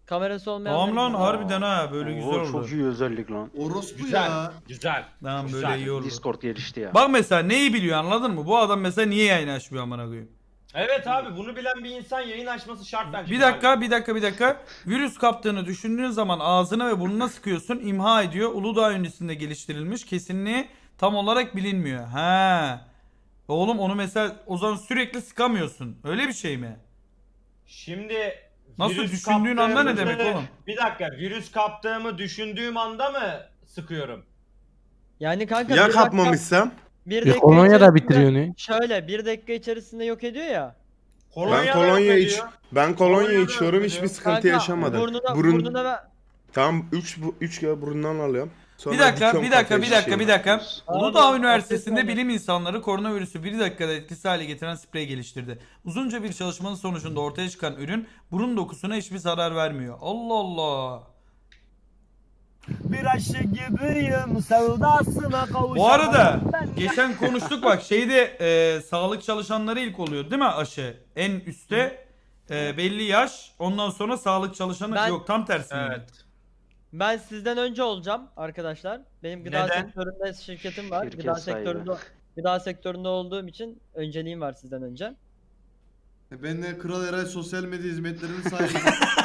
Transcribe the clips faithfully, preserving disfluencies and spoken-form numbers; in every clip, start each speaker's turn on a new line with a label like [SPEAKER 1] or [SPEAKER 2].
[SPEAKER 1] Kamerası olmayan.
[SPEAKER 2] Tamam lan harbiden ha böyle güzel oldu.
[SPEAKER 3] Çok iyi özellik lan.
[SPEAKER 4] Orospu
[SPEAKER 5] Güzel.
[SPEAKER 4] ya.
[SPEAKER 5] Güzel.
[SPEAKER 2] Tamam
[SPEAKER 5] Güzel.
[SPEAKER 2] böyle iyi oldu.
[SPEAKER 3] Discord gelişti ya.
[SPEAKER 2] Bak mesela neyi biliyor anladın mı? Bu adam mesela niye yayın açmıyor amına koyayım?
[SPEAKER 5] Evet abi bunu bilen bir insan yayın açması şart bence.
[SPEAKER 2] Bir dakika bir dakika bir dakika. Virüs kaptığını düşündüğün zaman ağzına ve burnuna sıkıyorsun, imha ediyor. Uludağ öncesinde geliştirilmiş, kesinliği tam olarak bilinmiyor. Ha. Oğlum onu mesela o zaman sürekli sıkamıyorsun. Öyle bir şey mi?
[SPEAKER 5] Şimdi
[SPEAKER 2] Nasıl
[SPEAKER 5] virüs
[SPEAKER 2] düşündüğün anda ne
[SPEAKER 5] kaptığımı-
[SPEAKER 2] demek oğlum?
[SPEAKER 5] Bir dakika virüs kaptığımı düşündüğüm anda mı sıkıyorum?
[SPEAKER 1] Yani kanka
[SPEAKER 6] Ya
[SPEAKER 1] bir dakika-
[SPEAKER 6] kapmamışsam?
[SPEAKER 1] bir
[SPEAKER 7] Bir
[SPEAKER 1] dakika
[SPEAKER 7] kolonya da
[SPEAKER 1] içerisinde-
[SPEAKER 7] bitiriyor ne?
[SPEAKER 1] Şöyle bir dakika içerisinde yok ediyor ya.
[SPEAKER 5] Kolonya
[SPEAKER 6] Ben
[SPEAKER 5] da
[SPEAKER 6] kolonya
[SPEAKER 5] yok
[SPEAKER 6] iç
[SPEAKER 5] ediyor.
[SPEAKER 6] ben kolonya
[SPEAKER 5] Kolonya da
[SPEAKER 6] içiyorum
[SPEAKER 5] yok
[SPEAKER 6] hiçbir
[SPEAKER 5] ediyor.
[SPEAKER 6] sıkıntı
[SPEAKER 1] Kanka,
[SPEAKER 6] yaşamadım.
[SPEAKER 1] Burnuna,
[SPEAKER 6] Burun
[SPEAKER 1] burnuna ve...
[SPEAKER 6] tamam üç üç kere burundan alıyorum. Sonra
[SPEAKER 2] Bir dakika,
[SPEAKER 6] dikiyorum
[SPEAKER 2] bir dakika,
[SPEAKER 6] kafaya
[SPEAKER 2] bir dakika, bir
[SPEAKER 6] şişiyorum.
[SPEAKER 2] dakika.
[SPEAKER 1] Abi,
[SPEAKER 2] Uludağ Üniversitesi'nde
[SPEAKER 1] abdest
[SPEAKER 2] bilim insanları koronavirüsü bir dakikada etkisiz hale getiren sprey geliştirdi. Uzunca bir çalışmanın sonucunda ortaya çıkan ürün burun dokusuna hiçbir zarar vermiyor. Allah Allah.
[SPEAKER 8] Bir aşık gibiyim sevdasına kavuşamam.
[SPEAKER 2] Bu arada
[SPEAKER 8] Ben-
[SPEAKER 2] geçen konuştuk bak şeyde e, sağlık çalışanları ilk oluyor değil mi aşı? En üstte e, belli yaş ondan sonra sağlık çalışanı
[SPEAKER 1] Ben-
[SPEAKER 2] yok tam tersi mi?
[SPEAKER 5] Evet.
[SPEAKER 1] Ben sizden önce olacağım arkadaşlar. Benim gıda
[SPEAKER 5] Neden?
[SPEAKER 1] sektöründe şirketim var.
[SPEAKER 3] Şirket
[SPEAKER 1] gıda
[SPEAKER 3] sahibi.
[SPEAKER 1] sektöründe gıda sektöründe olduğum için önceliğim var sizden önce.
[SPEAKER 4] E Ben de Kral Eray sosyal medya hizmetlerinin sahibiyim.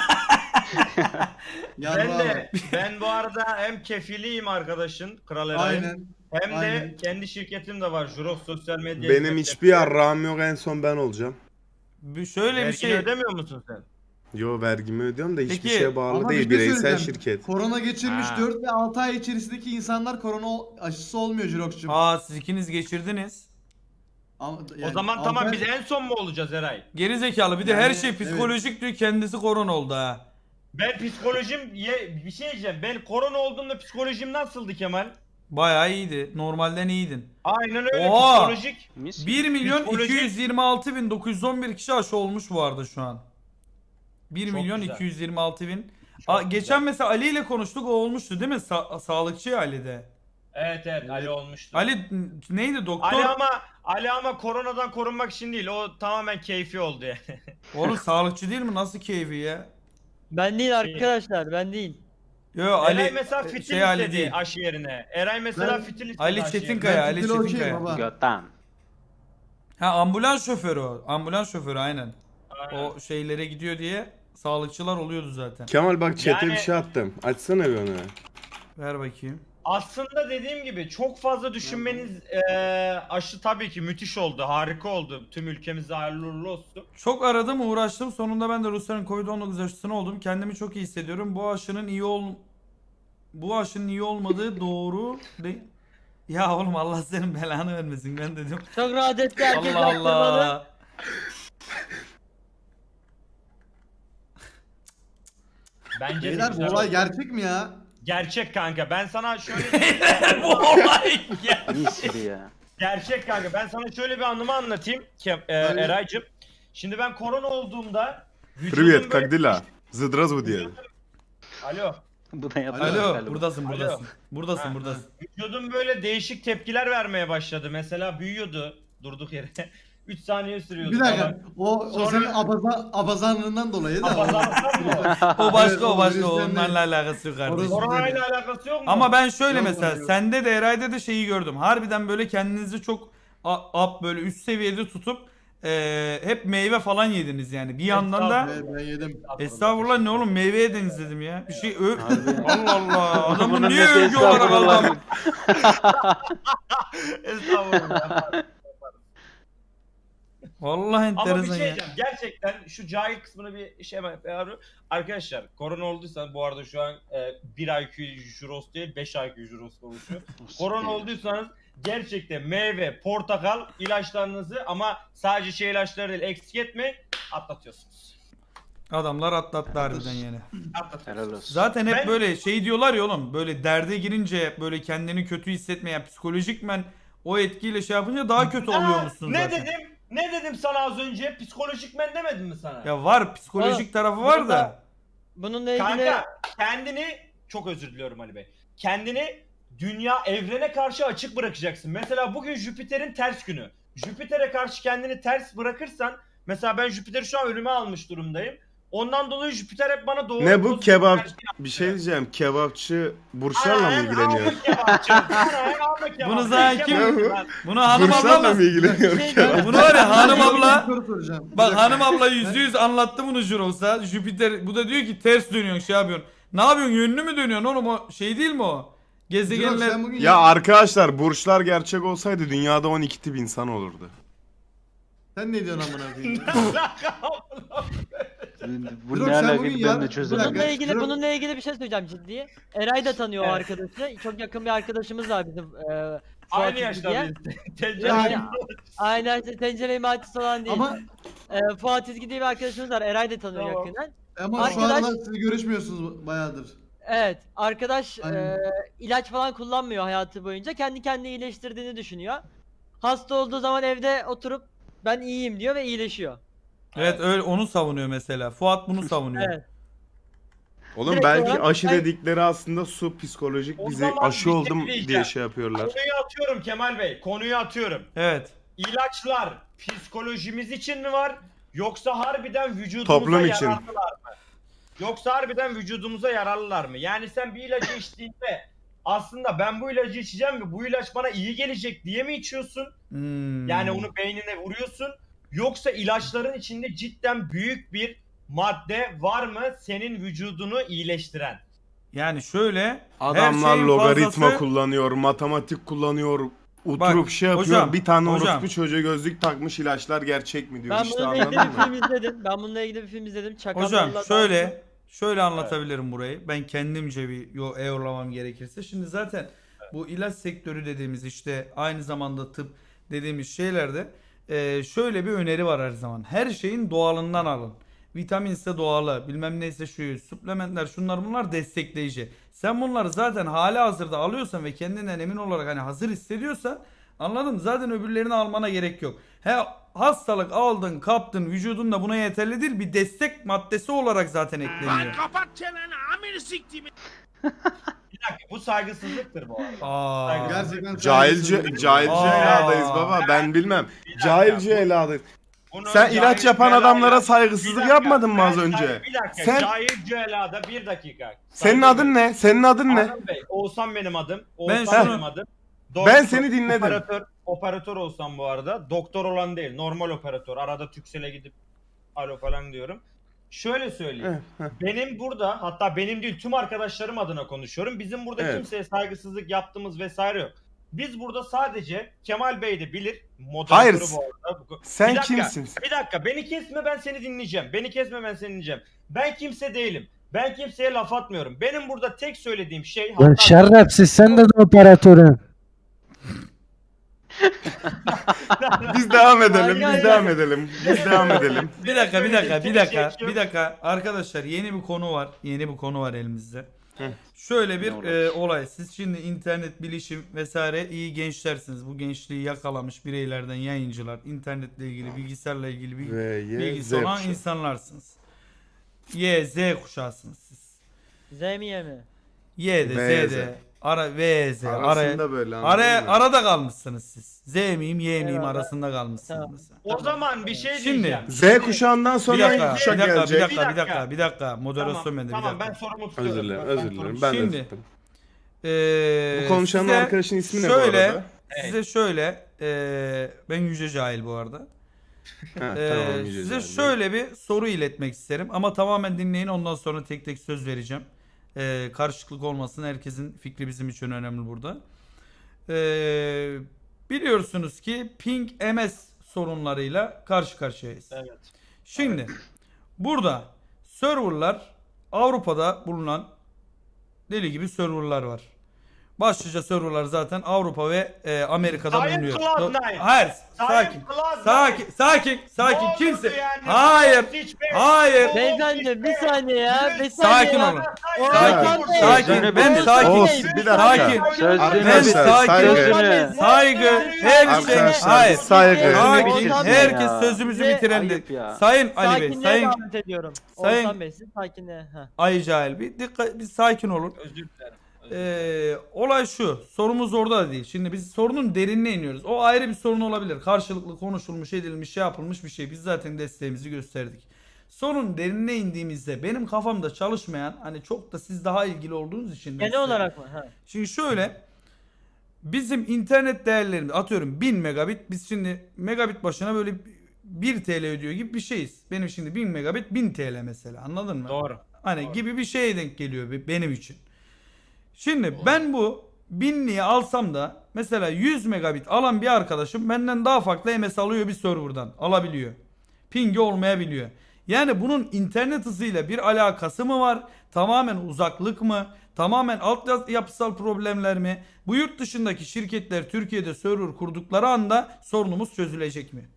[SPEAKER 4] Yarra
[SPEAKER 5] Ben de
[SPEAKER 4] abi.
[SPEAKER 5] ben bu arada hem kefiliyim arkadaşın Kral Eray'ın
[SPEAKER 4] Aynen.
[SPEAKER 5] hem de
[SPEAKER 4] aynen.
[SPEAKER 5] kendi şirketim de var Jurox Sosyal Medya.
[SPEAKER 6] Benim
[SPEAKER 5] Hizmetleri.
[SPEAKER 6] hiçbir yarrağım yok, en son ben olacağım.
[SPEAKER 2] Bir- Şöyle bir
[SPEAKER 5] Vergini
[SPEAKER 2] şey.
[SPEAKER 5] ödemiyor musun sen?
[SPEAKER 6] Yo vergimi ödüyorum da hiçbir
[SPEAKER 2] Peki,
[SPEAKER 6] şeye bağlı
[SPEAKER 4] Ama bir
[SPEAKER 6] değil,
[SPEAKER 4] şey
[SPEAKER 6] bireysel
[SPEAKER 4] söyleyeceğim.
[SPEAKER 6] şirket.
[SPEAKER 4] Korona geçirmiş
[SPEAKER 5] Ha.
[SPEAKER 4] dört ve altı ay içerisindeki insanlar korona aşısı olmuyor Jirox'cum.
[SPEAKER 2] Aa siz ikiniz geçirdiniz.
[SPEAKER 4] Ama-
[SPEAKER 5] O
[SPEAKER 4] yani
[SPEAKER 5] zaman
[SPEAKER 4] altı
[SPEAKER 5] tamam
[SPEAKER 4] ay-
[SPEAKER 5] biz en son mu olacağız Eray?
[SPEAKER 2] Geri zekalı bir de
[SPEAKER 4] Yani,
[SPEAKER 2] her şey
[SPEAKER 4] evet.
[SPEAKER 2] psikolojik diyor kendisi korona oldu ha.
[SPEAKER 5] Ben psikolojim ye, bir şey diyeceğim. Ben korona olduğumda psikolojim nasıldı Kemal?
[SPEAKER 2] Bayağı iyiydi. Normalden iyiydin.
[SPEAKER 5] Aynen öyle
[SPEAKER 2] Oha!
[SPEAKER 5] psikolojik.
[SPEAKER 3] Mis
[SPEAKER 2] bir milyon
[SPEAKER 5] Psikolojik-
[SPEAKER 2] iki yüz yirmi altı bin dokuz yüz on bir kişi aşı olmuş bu arada şu an. bir
[SPEAKER 5] Çok
[SPEAKER 2] milyon
[SPEAKER 5] güzel.
[SPEAKER 2] iki yüz yirmi altı bin.
[SPEAKER 5] Çok
[SPEAKER 2] Aa,
[SPEAKER 5] güzel.
[SPEAKER 2] geçen mesela Ali ile konuştuk o olmuştu değil mi? Sa- sağlıkçı Ali'de.
[SPEAKER 5] Evet evet Ali olmuştu.
[SPEAKER 2] Ali n- neydi doktor?
[SPEAKER 5] Ali ama Ali ama koronadan korunmak için değil. O tamamen keyfi oldu yani.
[SPEAKER 2] Oğlum sağlıkçı değil mi? Nasıl keyfi ya?
[SPEAKER 1] Ben değil arkadaşlar, ben değil.
[SPEAKER 2] Yo
[SPEAKER 5] Eray
[SPEAKER 2] Ali
[SPEAKER 5] mesela fitil
[SPEAKER 2] şey Ali
[SPEAKER 5] istedi
[SPEAKER 2] değil.
[SPEAKER 5] aşı yerine. Eray mesela
[SPEAKER 4] Ben-
[SPEAKER 5] fitil istedi
[SPEAKER 2] Ali
[SPEAKER 5] aşı
[SPEAKER 2] Çetinkaya,
[SPEAKER 5] yerine.
[SPEAKER 2] Ali
[SPEAKER 4] Ben fitil okey
[SPEAKER 2] Çetinkaya.
[SPEAKER 4] baba.
[SPEAKER 3] Götten.
[SPEAKER 2] Ha ambulans şoförü o. Ambulans şoförü aynen.
[SPEAKER 5] Aynen.
[SPEAKER 2] O şeylere gidiyor diye sağlıkçılar oluyordu zaten.
[SPEAKER 6] Kemal bak chat'e
[SPEAKER 5] Yani-
[SPEAKER 6] bir şey attım. Açsana bir onu.
[SPEAKER 2] Ver bakayım.
[SPEAKER 5] Aslında dediğim gibi çok fazla düşünmeniz eee, aşı tabii ki müthiş oldu, harika oldu. Tüm ülkemize hayırlı uğurlu olsun.
[SPEAKER 2] Çok aradım uğraştım. Sonunda ben de Rusya'nın Covid on dokuz aşısını oldum. Kendimi çok iyi hissediyorum. Bu aşının iyi ol bu aşının iyi olmadığı doğru değil. Ya oğlum Allah senin belanı vermesin ben dedim.
[SPEAKER 1] Çok rahat etti herkes
[SPEAKER 2] Allah
[SPEAKER 1] yaptırmadı.
[SPEAKER 2] Allah.
[SPEAKER 5] Bence de
[SPEAKER 4] Beyler bu
[SPEAKER 5] güzel
[SPEAKER 4] olay
[SPEAKER 5] oldu.
[SPEAKER 4] gerçek mi ya?
[SPEAKER 5] Gerçek kanka. Ben sana şöyle
[SPEAKER 2] Bu olay ya.
[SPEAKER 3] Mis ya.
[SPEAKER 5] gerçek kanka. Ben sana şöyle bir anımı anlatayım ki e,
[SPEAKER 4] Tabii.
[SPEAKER 5] Eraycığım. Şimdi ben korona olduğumda vücudum
[SPEAKER 6] Привет,
[SPEAKER 5] böyle-
[SPEAKER 6] как дела? Здравствуйте.
[SPEAKER 5] Alo.
[SPEAKER 3] Bu da yapar.
[SPEAKER 2] Alo
[SPEAKER 3] galiba.
[SPEAKER 2] buradasın
[SPEAKER 5] Alo.
[SPEAKER 2] buradasın. Buradasın
[SPEAKER 5] Ha,
[SPEAKER 2] buradasın.
[SPEAKER 5] Vücudum böyle değişik tepkiler vermeye başladı. Mesela büyüyordu durduk yere. üç saniye sürüyordu.
[SPEAKER 4] Bir dakika.
[SPEAKER 5] falan.
[SPEAKER 4] O, o
[SPEAKER 5] Sonra-
[SPEAKER 4] senin abaza, abazanlığından dolayı da.
[SPEAKER 5] Abazanlıktan mı?
[SPEAKER 2] O başka
[SPEAKER 4] Evet,
[SPEAKER 2] o
[SPEAKER 4] o
[SPEAKER 2] başka
[SPEAKER 4] virüsten
[SPEAKER 2] onlarla alakası yok kardeşim.
[SPEAKER 4] Orası-
[SPEAKER 5] Korona ile alakası yok mu?
[SPEAKER 2] Ama ben şöyle
[SPEAKER 4] Yok,
[SPEAKER 2] mesela
[SPEAKER 4] yok.
[SPEAKER 2] sende de Eray'da da şeyi gördüm. Harbiden böyle kendinizi çok a- up böyle üst seviyede tutup eee, hep meyve falan yediniz yani. Bir yandan da
[SPEAKER 4] Evet, ben yedim.
[SPEAKER 2] estağfurullah ne oğlum meyve yediniz dedim ya. Bir şey ö
[SPEAKER 3] Harbi.
[SPEAKER 2] Allah Allah. Adamı
[SPEAKER 3] Bunun
[SPEAKER 2] niye
[SPEAKER 3] nesi
[SPEAKER 2] övgü olarak
[SPEAKER 3] estağfurullah?
[SPEAKER 2] aldım?
[SPEAKER 5] Estağfurullah.
[SPEAKER 2] Vallahi
[SPEAKER 5] Ama bir
[SPEAKER 2] enteresan
[SPEAKER 5] şey
[SPEAKER 2] ya.
[SPEAKER 5] diyeceğim. Gerçekten şu cahil kısmını bir şey hemen yapıyorum. Arkadaşlar korona olduysa bu arada şu an e, bir I Q juros değil beş I Q juros oluşuyor. Korona olduysanız gerçekten meyve, portakal ilaçlarınızı ama sadece şey ilaçları değil eksik etmeyin atlatıyorsunuz.
[SPEAKER 2] Adamlar atlattı harbiden yani.
[SPEAKER 5] Atlatıyorsunuz.
[SPEAKER 3] Helal olsun.
[SPEAKER 2] Zaten hep
[SPEAKER 5] Ben-
[SPEAKER 2] böyle şey diyorlar ya oğlum böyle derde girince böyle kendini kötü hissetmeyen psikolojikmen o etkiyle şey yapınca daha kötü
[SPEAKER 5] Aa,
[SPEAKER 2] oluyormuşsun
[SPEAKER 5] ne
[SPEAKER 2] zaten.
[SPEAKER 5] dedim? Ne dedim sana az önce? Psikolojik men demedim mi sana?
[SPEAKER 2] Ya var psikolojik
[SPEAKER 1] Aa,
[SPEAKER 2] tarafı var
[SPEAKER 1] burada-
[SPEAKER 2] da.
[SPEAKER 1] Bununla ilgili
[SPEAKER 5] Kanka kendini çok özür diliyorum Ali Bey. Kendini dünya evrene karşı açık bırakacaksın. Mesela bugün Jüpiter'in ters günü. Jüpiter'e karşı kendini ters bırakırsan mesela ben Jüpiter'i şu an önüme almış durumdayım. Ondan dolayı Jüpiter hep bana doğru.
[SPEAKER 6] Ne bu
[SPEAKER 5] pozitif
[SPEAKER 6] kebap?
[SPEAKER 5] enerji
[SPEAKER 6] Bir şey diyeceğim. Kebapçı
[SPEAKER 5] Ana,
[SPEAKER 6] burçlarla mı
[SPEAKER 5] ana,
[SPEAKER 6] ilgileniyor?
[SPEAKER 5] ana kebapçı. Ana, ana kebapçı.
[SPEAKER 2] Bunu zaten kim-
[SPEAKER 5] Kebapçı lan.
[SPEAKER 2] Bunu hanım abla
[SPEAKER 6] Burçlarla
[SPEAKER 2] mı?
[SPEAKER 6] mı ilgileniyor?
[SPEAKER 1] Şey
[SPEAKER 6] kebap?
[SPEAKER 2] Bunu var ya hanım abla.
[SPEAKER 4] Bir soru soracağım. Bir
[SPEAKER 2] Bak
[SPEAKER 4] dakika.
[SPEAKER 2] hanım abla yüzde yüz anlattı bunu Juros'a. Jüpiter bu da diyor ki ters dönüyorsun şey yapıyorsun. Ne yapıyorsun yönlü mü dönüyorsun oğlum o şey değil mi o?
[SPEAKER 4] Jirok,
[SPEAKER 2] Gezegenler.
[SPEAKER 4] sen bugün
[SPEAKER 6] Ya arkadaşlar burçlar gerçek olsaydı dünyada on iki tip insan olurdu.
[SPEAKER 4] Sen ne diyorsun amına koyayım?
[SPEAKER 3] Bu
[SPEAKER 4] Jirok,
[SPEAKER 3] ne
[SPEAKER 4] sen
[SPEAKER 3] alaka
[SPEAKER 4] bugün
[SPEAKER 3] ben
[SPEAKER 4] ya-
[SPEAKER 3] de çözemedim.
[SPEAKER 1] Bununla ilgili
[SPEAKER 4] Jirok-
[SPEAKER 1] bununla ilgili bir şey söyleyeceğim ciddi. Eray da tanıyor o
[SPEAKER 5] Evet.
[SPEAKER 1] arkadaşı. Çok yakın bir arkadaşımız var bizim. E,
[SPEAKER 5] Aynı
[SPEAKER 1] Fuat
[SPEAKER 5] yaşta
[SPEAKER 1] diye.
[SPEAKER 5] biz. Tencere
[SPEAKER 1] Yani, aynen işte tencere imalatçısı olan değil.
[SPEAKER 4] Ama
[SPEAKER 1] E, Fuat İzgi diye bir arkadaşımız var. Eray da tanıyor
[SPEAKER 5] Tamam.
[SPEAKER 1] yakından.
[SPEAKER 4] ama şu
[SPEAKER 1] Arkadaş-
[SPEAKER 4] aralar siz görüşmüyorsunuz bayağıdır.
[SPEAKER 1] Evet, arkadaş
[SPEAKER 4] Aynen.
[SPEAKER 1] e, ilaç falan kullanmıyor hayatı boyunca. Kendi kendini iyileştirdiğini düşünüyor. Hasta olduğu zaman evde oturup ben iyiyim diyor ve iyileşiyor.
[SPEAKER 2] Evet öyle onu savunuyor mesela. Fuat bunu savunuyor.
[SPEAKER 1] Evet.
[SPEAKER 6] Oğlum
[SPEAKER 1] Direkt
[SPEAKER 6] belki
[SPEAKER 1] olarak
[SPEAKER 6] aşı
[SPEAKER 1] ben-
[SPEAKER 6] dedikleri aslında su psikolojik
[SPEAKER 5] O
[SPEAKER 6] bizi
[SPEAKER 5] zaman
[SPEAKER 6] aşı
[SPEAKER 5] bir şey
[SPEAKER 6] oldum
[SPEAKER 5] diyeceğim.
[SPEAKER 6] diye şey yapıyorlar.
[SPEAKER 5] Konuyu atıyorum Kemal Bey. Konuyu atıyorum.
[SPEAKER 2] Evet.
[SPEAKER 5] İlaçlar psikolojimiz için mi var? Yoksa harbiden vücudumuza
[SPEAKER 6] Toplum için.
[SPEAKER 5] yararlılar mı? Yoksa harbiden vücudumuza yararlılar mı? Yani sen bir ilacı içtiğinde aslında ben bu ilacı içeceğim ve bu ilaç bana iyi gelecek diye mi içiyorsun?
[SPEAKER 2] Hmm.
[SPEAKER 5] Yani onu beynine vuruyorsun. Yoksa ilaçların içinde cidden büyük bir madde var mı senin vücudunu iyileştiren?
[SPEAKER 2] Yani şöyle
[SPEAKER 6] Adamlar
[SPEAKER 2] her şeyin
[SPEAKER 6] logaritma
[SPEAKER 2] fazlası-
[SPEAKER 6] kullanıyor, matematik kullanıyor, oturup
[SPEAKER 2] Bak,
[SPEAKER 6] şey yapıyor.
[SPEAKER 2] hocam,
[SPEAKER 6] bir tane
[SPEAKER 2] hocam.
[SPEAKER 6] orospu çocuğa gözlük takmış ilaçlar gerçek mi diyor.
[SPEAKER 1] Ben
[SPEAKER 6] işte
[SPEAKER 1] bununla ilgili
[SPEAKER 6] anladın
[SPEAKER 1] bir
[SPEAKER 6] mı?
[SPEAKER 1] film izledim. Ben bununla ilgili bir film izledim. Çakallarla
[SPEAKER 2] Hocam
[SPEAKER 1] Dansı.
[SPEAKER 2] şöyle şöyle anlatabilirim burayı. Ben kendimce bir yo eyorlamam gerekirse. Şimdi zaten bu ilaç sektörü dediğimiz işte aynı zamanda tıp dediğimiz şeylerde e, şöyle bir öneri var her zaman. Her şeyin doğalından alın. Vitaminse doğalı, bilmem neyse şu, suplementler şunlar bunlar destekleyici. Sen bunları zaten hali hazırda alıyorsan ve kendinden emin olarak hani hazır hissediyorsan anladın mı? Zaten öbürlerini almana gerek yok. He hastalık aldın, kaptın, vücudun da buna yeterli değil. Bir destek maddesi olarak zaten ekleniyor.
[SPEAKER 5] Bir dakika bu saygısızlıktır bu arada.
[SPEAKER 2] Aa.
[SPEAKER 4] Gerçekten
[SPEAKER 6] Cahilce,
[SPEAKER 4] saygısızlık.
[SPEAKER 6] cahilce
[SPEAKER 2] Aa.
[SPEAKER 6] eladayız baba ben bilmem.
[SPEAKER 5] Bir dakika,
[SPEAKER 6] Cahilce
[SPEAKER 5] bu-
[SPEAKER 6] eladayız.
[SPEAKER 5] Bunu
[SPEAKER 6] Sen
[SPEAKER 5] cahil
[SPEAKER 6] ilaç yapan
[SPEAKER 5] cüelada-
[SPEAKER 6] adamlara
[SPEAKER 5] Bir
[SPEAKER 6] saygısızlık
[SPEAKER 5] dakika,
[SPEAKER 6] yapmadın mı
[SPEAKER 5] ben
[SPEAKER 6] az önce?
[SPEAKER 5] say- Bir dakika
[SPEAKER 6] Sen-
[SPEAKER 5] cahil cüelada bir dakika.
[SPEAKER 6] Senin
[SPEAKER 5] Saygı
[SPEAKER 6] adın ne? Senin adın ne?
[SPEAKER 5] Adnan Bey, Oğuzhan benim adım. Oğuzhan
[SPEAKER 2] şunu-
[SPEAKER 5] benim adım.
[SPEAKER 6] Ben seni dinledim.
[SPEAKER 5] Operatör, operatör olsam bu arada. Doktor olan değil. Normal operatör. Arada Turkcell'e gidip alo falan diyorum. Şöyle söyleyeyim.
[SPEAKER 6] Heh, heh.
[SPEAKER 5] Benim burada hatta benim değil tüm arkadaşlarım adına konuşuyorum. Bizim burada
[SPEAKER 6] Evet.
[SPEAKER 5] kimseye saygısızlık yaptığımız vesaire yok. Biz burada sadece Kemal Bey de bilir. Moderatörü
[SPEAKER 6] Hayır.
[SPEAKER 5] bu arada. Bu-
[SPEAKER 6] Sen
[SPEAKER 5] Bir dakika,
[SPEAKER 6] kimsin?
[SPEAKER 5] Bir dakika beni kesme ben seni dinleyeceğim. Beni kesme ben seni dinleyeceğim. Ben kimse değilim. Ben kimseye laf atmıyorum. Benim burada tek söylediğim şey
[SPEAKER 8] Lan
[SPEAKER 5] hatta-
[SPEAKER 8] şerefsiz sen de operatörün.
[SPEAKER 6] Biz devam edelim,
[SPEAKER 1] Aynen.
[SPEAKER 6] biz devam edelim. Biz devam edelim.
[SPEAKER 2] Bir dakika, bir dakika, bir
[SPEAKER 5] Söyleyecek
[SPEAKER 2] dakika,
[SPEAKER 5] şey yok.
[SPEAKER 2] bir dakika. Arkadaşlar yeni bir konu var. Yeni bir konu var elimizde.
[SPEAKER 6] Hı.
[SPEAKER 2] Şöyle bir
[SPEAKER 3] Ne olur?
[SPEAKER 2] e, olay. Siz şimdi internet, bilişim vesaire iyi gençlersiniz. Bu gençliği yakalamış bireylerden yayıncılar, internetle ilgili, bilgisayarla ilgili bir
[SPEAKER 6] Ve Y, Z
[SPEAKER 2] bilgisi olan
[SPEAKER 6] kuşağı.
[SPEAKER 2] insanlarsınız. Y, Z kuşağısınız siz.
[SPEAKER 1] Z mi Y mi?
[SPEAKER 2] Y de,
[SPEAKER 6] V,
[SPEAKER 2] Z
[SPEAKER 6] Z.
[SPEAKER 2] de, ara, V, Z, araya,
[SPEAKER 6] Arasında böyle anladın
[SPEAKER 2] araya,
[SPEAKER 6] mı?
[SPEAKER 2] arada kalmışsınız siz. Z miyim, Y miyim
[SPEAKER 1] Eyvallah.
[SPEAKER 2] arasında kalmışsınız
[SPEAKER 1] Tamam.
[SPEAKER 2] mesela.
[SPEAKER 5] O zaman bir şey
[SPEAKER 2] Şimdi-
[SPEAKER 5] diyeceğim.
[SPEAKER 6] Z kuşağından
[SPEAKER 2] Bir
[SPEAKER 6] sonra
[SPEAKER 2] dakika,
[SPEAKER 6] hangi
[SPEAKER 2] bir
[SPEAKER 6] kuşak
[SPEAKER 2] dakika, bir
[SPEAKER 6] gelecek?
[SPEAKER 2] dakika, bir
[SPEAKER 5] Bir dakika.
[SPEAKER 2] dakika, bir dakika. Moderasyon
[SPEAKER 5] Tamam,
[SPEAKER 2] bende, bir
[SPEAKER 5] tamam
[SPEAKER 2] dakika.
[SPEAKER 5] ben sorumu tutuyorum.
[SPEAKER 6] Özür dilerim,
[SPEAKER 5] Ben
[SPEAKER 6] özür
[SPEAKER 5] sorumu
[SPEAKER 6] dilerim. Ben de
[SPEAKER 2] Şimdi-
[SPEAKER 6] tuttum.
[SPEAKER 2] Ee,
[SPEAKER 6] Bu konuşanın
[SPEAKER 2] size
[SPEAKER 6] arkadaşın ismi ne bu
[SPEAKER 2] şöyle,
[SPEAKER 6] arada?
[SPEAKER 2] Size şöyle, ee, ben Yüce Cahil bu arada.
[SPEAKER 6] Ha,
[SPEAKER 2] Ee,
[SPEAKER 6] tamam, iyice
[SPEAKER 2] size
[SPEAKER 6] geldi.
[SPEAKER 2] şöyle bir soru iletmek isterim ama tamamen dinleyin ondan sonra tek tek söz vereceğim. Ee, karışıklık olmasın, herkesin fikri bizim için önemli burada. Ee, biliyorsunuz ki ping M S sorunlarıyla karşı karşıyayız.
[SPEAKER 5] Evet.
[SPEAKER 2] Şimdi burada serverlar Avrupa'da bulunan deli gibi serverlar var. Başlıca serverlar zaten Avrupa ve e, Amerika'da
[SPEAKER 5] Sayın
[SPEAKER 2] bulunuyor.
[SPEAKER 5] Cloud Nine.
[SPEAKER 2] Hayır,
[SPEAKER 5] Sayın
[SPEAKER 2] sakin.
[SPEAKER 5] Cloud
[SPEAKER 2] Sakin,
[SPEAKER 5] Nine.
[SPEAKER 2] sakin, sakin.
[SPEAKER 5] Ne oldu
[SPEAKER 2] Kimse.
[SPEAKER 5] yani?
[SPEAKER 2] Hayır.
[SPEAKER 5] Hiç be-
[SPEAKER 2] Hayır.
[SPEAKER 5] O-
[SPEAKER 1] Beyefendi bir saniye ya. Bir saniye
[SPEAKER 2] Sakin
[SPEAKER 1] ya.
[SPEAKER 2] olun.
[SPEAKER 1] Oğuzhan
[SPEAKER 2] Sakin,
[SPEAKER 1] Bey.
[SPEAKER 2] sakin.
[SPEAKER 3] Sözünü
[SPEAKER 2] Ben
[SPEAKER 3] bitir.
[SPEAKER 2] sakin.
[SPEAKER 6] Oğuz, bir dakika.
[SPEAKER 2] Sakin.
[SPEAKER 3] Sözünü
[SPEAKER 2] Ben
[SPEAKER 3] bitir.
[SPEAKER 6] Arkadaşlar,
[SPEAKER 2] sakin.
[SPEAKER 6] saygı.
[SPEAKER 2] Saygı. Her şey.
[SPEAKER 6] Arkadaşlar,
[SPEAKER 2] Hayır.
[SPEAKER 6] saygı.
[SPEAKER 2] Sakin.
[SPEAKER 3] bitirsin
[SPEAKER 2] Herkes
[SPEAKER 3] ya.
[SPEAKER 2] sözümüzü
[SPEAKER 1] Ve-
[SPEAKER 2] bitirendi.
[SPEAKER 3] Ayıp ya.
[SPEAKER 2] Sayın Ali Bey,
[SPEAKER 1] Sakinliğe
[SPEAKER 2] Sayın
[SPEAKER 1] davet ediyorum.
[SPEAKER 2] Sayın-
[SPEAKER 1] Oğuzhan Bey siz sakinliğe. Heh.
[SPEAKER 2] Ay Cahil bir dikkat, bir sakin olun.
[SPEAKER 5] Özür dilerim.
[SPEAKER 2] Ee, olay şu. Sorumuz orada da değil. Şimdi biz sorunun derinine iniyoruz. O ayrı bir sorun olabilir. Karşılıklı konuşulmuş, edilmiş, şey yapılmış bir şey. Biz zaten desteğimizi gösterdik. Sorun derinine indiğimizde benim kafamda çalışmayan, hani çok da siz daha ilgili olduğunuz için.
[SPEAKER 1] Genel
[SPEAKER 2] size-
[SPEAKER 1] olarak mı? Ha.
[SPEAKER 2] Şimdi şöyle, bizim internet değerlerimiz atıyorum bin megabit, biz şimdi megabit başına böyle bir T L ödüyor gibi bir şeyiz. Benim şimdi bin megabit bin T L mesela, anladın mı?
[SPEAKER 5] Doğru.
[SPEAKER 2] Hani
[SPEAKER 5] Doğru.
[SPEAKER 2] gibi bir şeye denk geliyor be- benim için. Şimdi ben bu binliği alsam da mesela yüz megabit alan bir arkadaşım benden daha farklı M S alıyor bir serverdan, alabiliyor. Pingi olmayabiliyor. Yani bunun internet hızıyla bir alakası mı var? Tamamen uzaklık mı? Tamamen altyapısal problemler mi? Bu yurt dışındaki şirketler Türkiye'de server kurdukları anda sorunumuz çözülecek mi?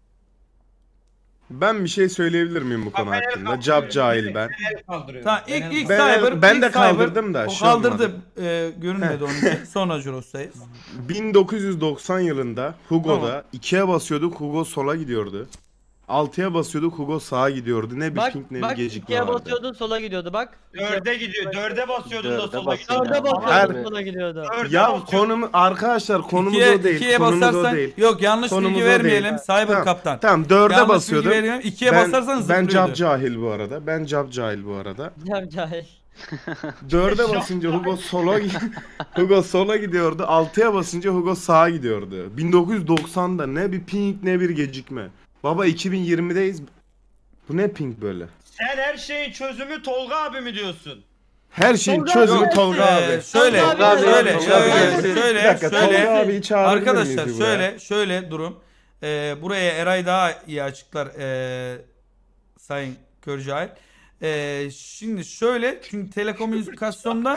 [SPEAKER 6] Ben bir şey söyleyebilir miyim bu konu
[SPEAKER 5] Ben el
[SPEAKER 6] hakkında?
[SPEAKER 5] kaldırıyorum.
[SPEAKER 6] Cap cahil ben.
[SPEAKER 5] El kaldırıyorum.
[SPEAKER 2] Tamam
[SPEAKER 5] Ben
[SPEAKER 2] ilk
[SPEAKER 5] el
[SPEAKER 2] ilk
[SPEAKER 6] Ben-
[SPEAKER 2] Cyber
[SPEAKER 6] ben
[SPEAKER 2] ilk
[SPEAKER 6] de
[SPEAKER 2] Cyber-
[SPEAKER 6] kaldırdım da
[SPEAKER 2] o
[SPEAKER 6] şey
[SPEAKER 2] kaldırdı. E, görünmedi onun. Sonra Juros'tayız.
[SPEAKER 6] bin dokuz yüz doksan yılında Hugo'da ikiye basıyorduk, Hugo sola gidiyordu. altıya basıyorduk, Hugo sağa gidiyordu. Ne bir
[SPEAKER 1] Bak
[SPEAKER 6] ping ne bir
[SPEAKER 1] bak
[SPEAKER 6] gecikme
[SPEAKER 1] ikiye
[SPEAKER 6] vardı.
[SPEAKER 1] basıyordun sola gidiyordu bak.
[SPEAKER 5] Dörde gidiyor. Dörde basıyordun da
[SPEAKER 3] Dörde
[SPEAKER 5] sola
[SPEAKER 3] basıyordun.
[SPEAKER 5] gidiyordu.
[SPEAKER 1] Dörde
[SPEAKER 3] Her-
[SPEAKER 1] basıyordun sola gidiyordu.
[SPEAKER 5] Dörde
[SPEAKER 6] Ya
[SPEAKER 5] basıyordun.
[SPEAKER 6] konum arkadaşlar konumuz
[SPEAKER 2] İkiye,
[SPEAKER 6] o değil.
[SPEAKER 2] ikiye
[SPEAKER 6] konumuz
[SPEAKER 2] basarsan
[SPEAKER 6] o değil.
[SPEAKER 2] yok yanlış
[SPEAKER 6] Konumuz
[SPEAKER 2] bilgi
[SPEAKER 6] o değil.
[SPEAKER 2] vermeyelim Cyber
[SPEAKER 6] Tamam,
[SPEAKER 2] Kaptan.
[SPEAKER 6] Tamam dörde
[SPEAKER 2] Yanlış
[SPEAKER 6] basıyordum.
[SPEAKER 2] bilgi vermeyelim. İkiye
[SPEAKER 6] ben,
[SPEAKER 2] basarsan
[SPEAKER 6] ben
[SPEAKER 2] zıplıyordu.
[SPEAKER 6] cap cahil bu arada. Ben cap cahil bu arada.
[SPEAKER 1] Cam cahil.
[SPEAKER 6] Dörde basınca Hugo sola gi- Hugo sola gidiyordu. altıya basınca Hugo sağa gidiyordu. bin dokuz yüz doksan'da ne bir ping ne bir gecikme. Baba iki bin yirmideyiz. Bu ne ping böyle?
[SPEAKER 5] Sen her şeyin çözümü Tolga abi mi diyorsun?
[SPEAKER 6] Her şeyin
[SPEAKER 1] Tolga
[SPEAKER 6] çözümü
[SPEAKER 1] abi
[SPEAKER 6] Tolga
[SPEAKER 2] Ee,
[SPEAKER 6] abi.
[SPEAKER 2] şöyle,
[SPEAKER 1] Tolga abi,
[SPEAKER 2] şöyle,
[SPEAKER 3] Tolga
[SPEAKER 2] şöyle,
[SPEAKER 3] abi.
[SPEAKER 2] şöyle,
[SPEAKER 6] Bir dakika
[SPEAKER 2] şöyle,
[SPEAKER 6] Tolga abiyi çağırabilir
[SPEAKER 2] arkadaşlar
[SPEAKER 6] miyiz buraya?
[SPEAKER 2] şöyle, şöyle durum. Ee, buraya Eray daha iyi açıklar ee, Sayın Körcahil. Ee, şimdi şöyle, çünkü telekomünikasyonda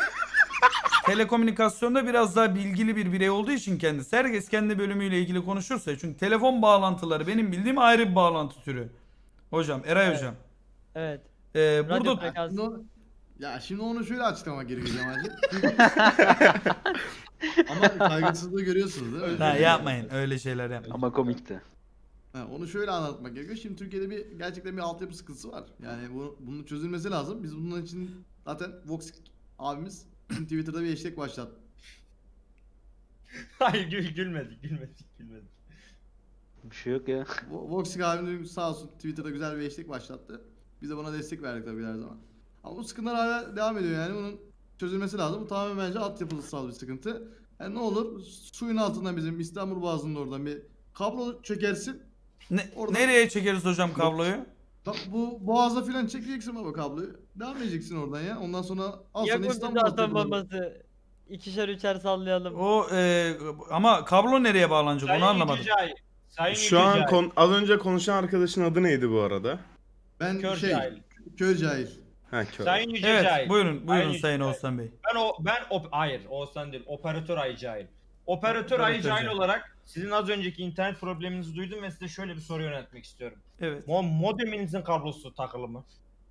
[SPEAKER 2] telekomünikasyonda biraz daha bilgili bir birey olduğu için kendisi. Herkes kendi bölümüyle ilgili konuşursa, çünkü telefon bağlantıları benim bildiğim ayrı bir bağlantı türü. Hocam, Eray
[SPEAKER 1] Evet.
[SPEAKER 2] hocam.
[SPEAKER 1] Evet.
[SPEAKER 2] Ee,
[SPEAKER 1] Radyo
[SPEAKER 2] burada
[SPEAKER 1] frekans.
[SPEAKER 4] Şimdi onu- ya şimdi onu şöyle açıklamak gerekiyor Cemal'cim. Ama kaygısızlığı görüyorsunuz değil mi?
[SPEAKER 2] ha, yapmayın öyle şeyler yapmayın.
[SPEAKER 3] Ama komikti.
[SPEAKER 4] Ha, onu şöyle anlatmak gerekiyor. Şimdi Türkiye'de bir gerçekten bir altyapı sıkıntısı var. Yani bu, bunun çözülmesi lazım. Biz bunun için zaten Vox abimiz bizim Twitter'da bir hashtag başlattı.
[SPEAKER 5] Hayır gül, gülmedik gülmedik gülmedik.
[SPEAKER 3] Bir şey yok ya.
[SPEAKER 4] Vo- Vox abimiz sağ olsun Twitter'da güzel bir hashtag başlattı. Biz de buna destek verdik tabii her zaman. Ama bu sıkıntılar hala devam ediyor yani bunun çözülmesi lazım. Bu tamamen bence altyapısal bir sıkıntı. Yani ne olur suyun altından bizim İstanbul Boğazı'nın oradan bir kablo çekersin.
[SPEAKER 2] Ne-
[SPEAKER 4] Oradan-
[SPEAKER 2] nereye çekeriz hocam kabloyu?
[SPEAKER 4] Tam bu boğaza filan çekeceksin baba kabloyu. Devam edeceksin oradan ya. Ondan sonra al
[SPEAKER 1] Ya
[SPEAKER 4] sana
[SPEAKER 1] burada
[SPEAKER 4] İstanbul
[SPEAKER 1] atom
[SPEAKER 4] altyapıları.
[SPEAKER 1] bombası. İkişer üçer sallayalım.
[SPEAKER 2] O e, ama kablo nereye bağlanacak onu anlamadım.
[SPEAKER 5] Yücecay, Sayın
[SPEAKER 6] Şu an
[SPEAKER 5] Yücecay,
[SPEAKER 6] kon- az önce konuşan arkadaşın adı neydi bu arada?
[SPEAKER 4] Ben
[SPEAKER 5] Kör
[SPEAKER 4] şey,
[SPEAKER 5] cahil.
[SPEAKER 4] kör cahil.
[SPEAKER 6] Ha kör.
[SPEAKER 5] Sayın Yücecay.
[SPEAKER 2] Evet buyurun buyurun
[SPEAKER 5] Sayın
[SPEAKER 2] Sayın
[SPEAKER 5] Yücecay.
[SPEAKER 2] Oğuzhan Bey.
[SPEAKER 5] Ben o ben op hayır Oğuzhan değil operatör Ayı Cahil. Operatör Ayı
[SPEAKER 2] Operatör
[SPEAKER 5] Cahil
[SPEAKER 2] Cahil.
[SPEAKER 5] olarak sizin az önceki internet probleminizi duydum ve size şöyle bir soru yöneltmek istiyorum.
[SPEAKER 2] Evet.
[SPEAKER 5] Mo modeminizin kablosu takılı mı?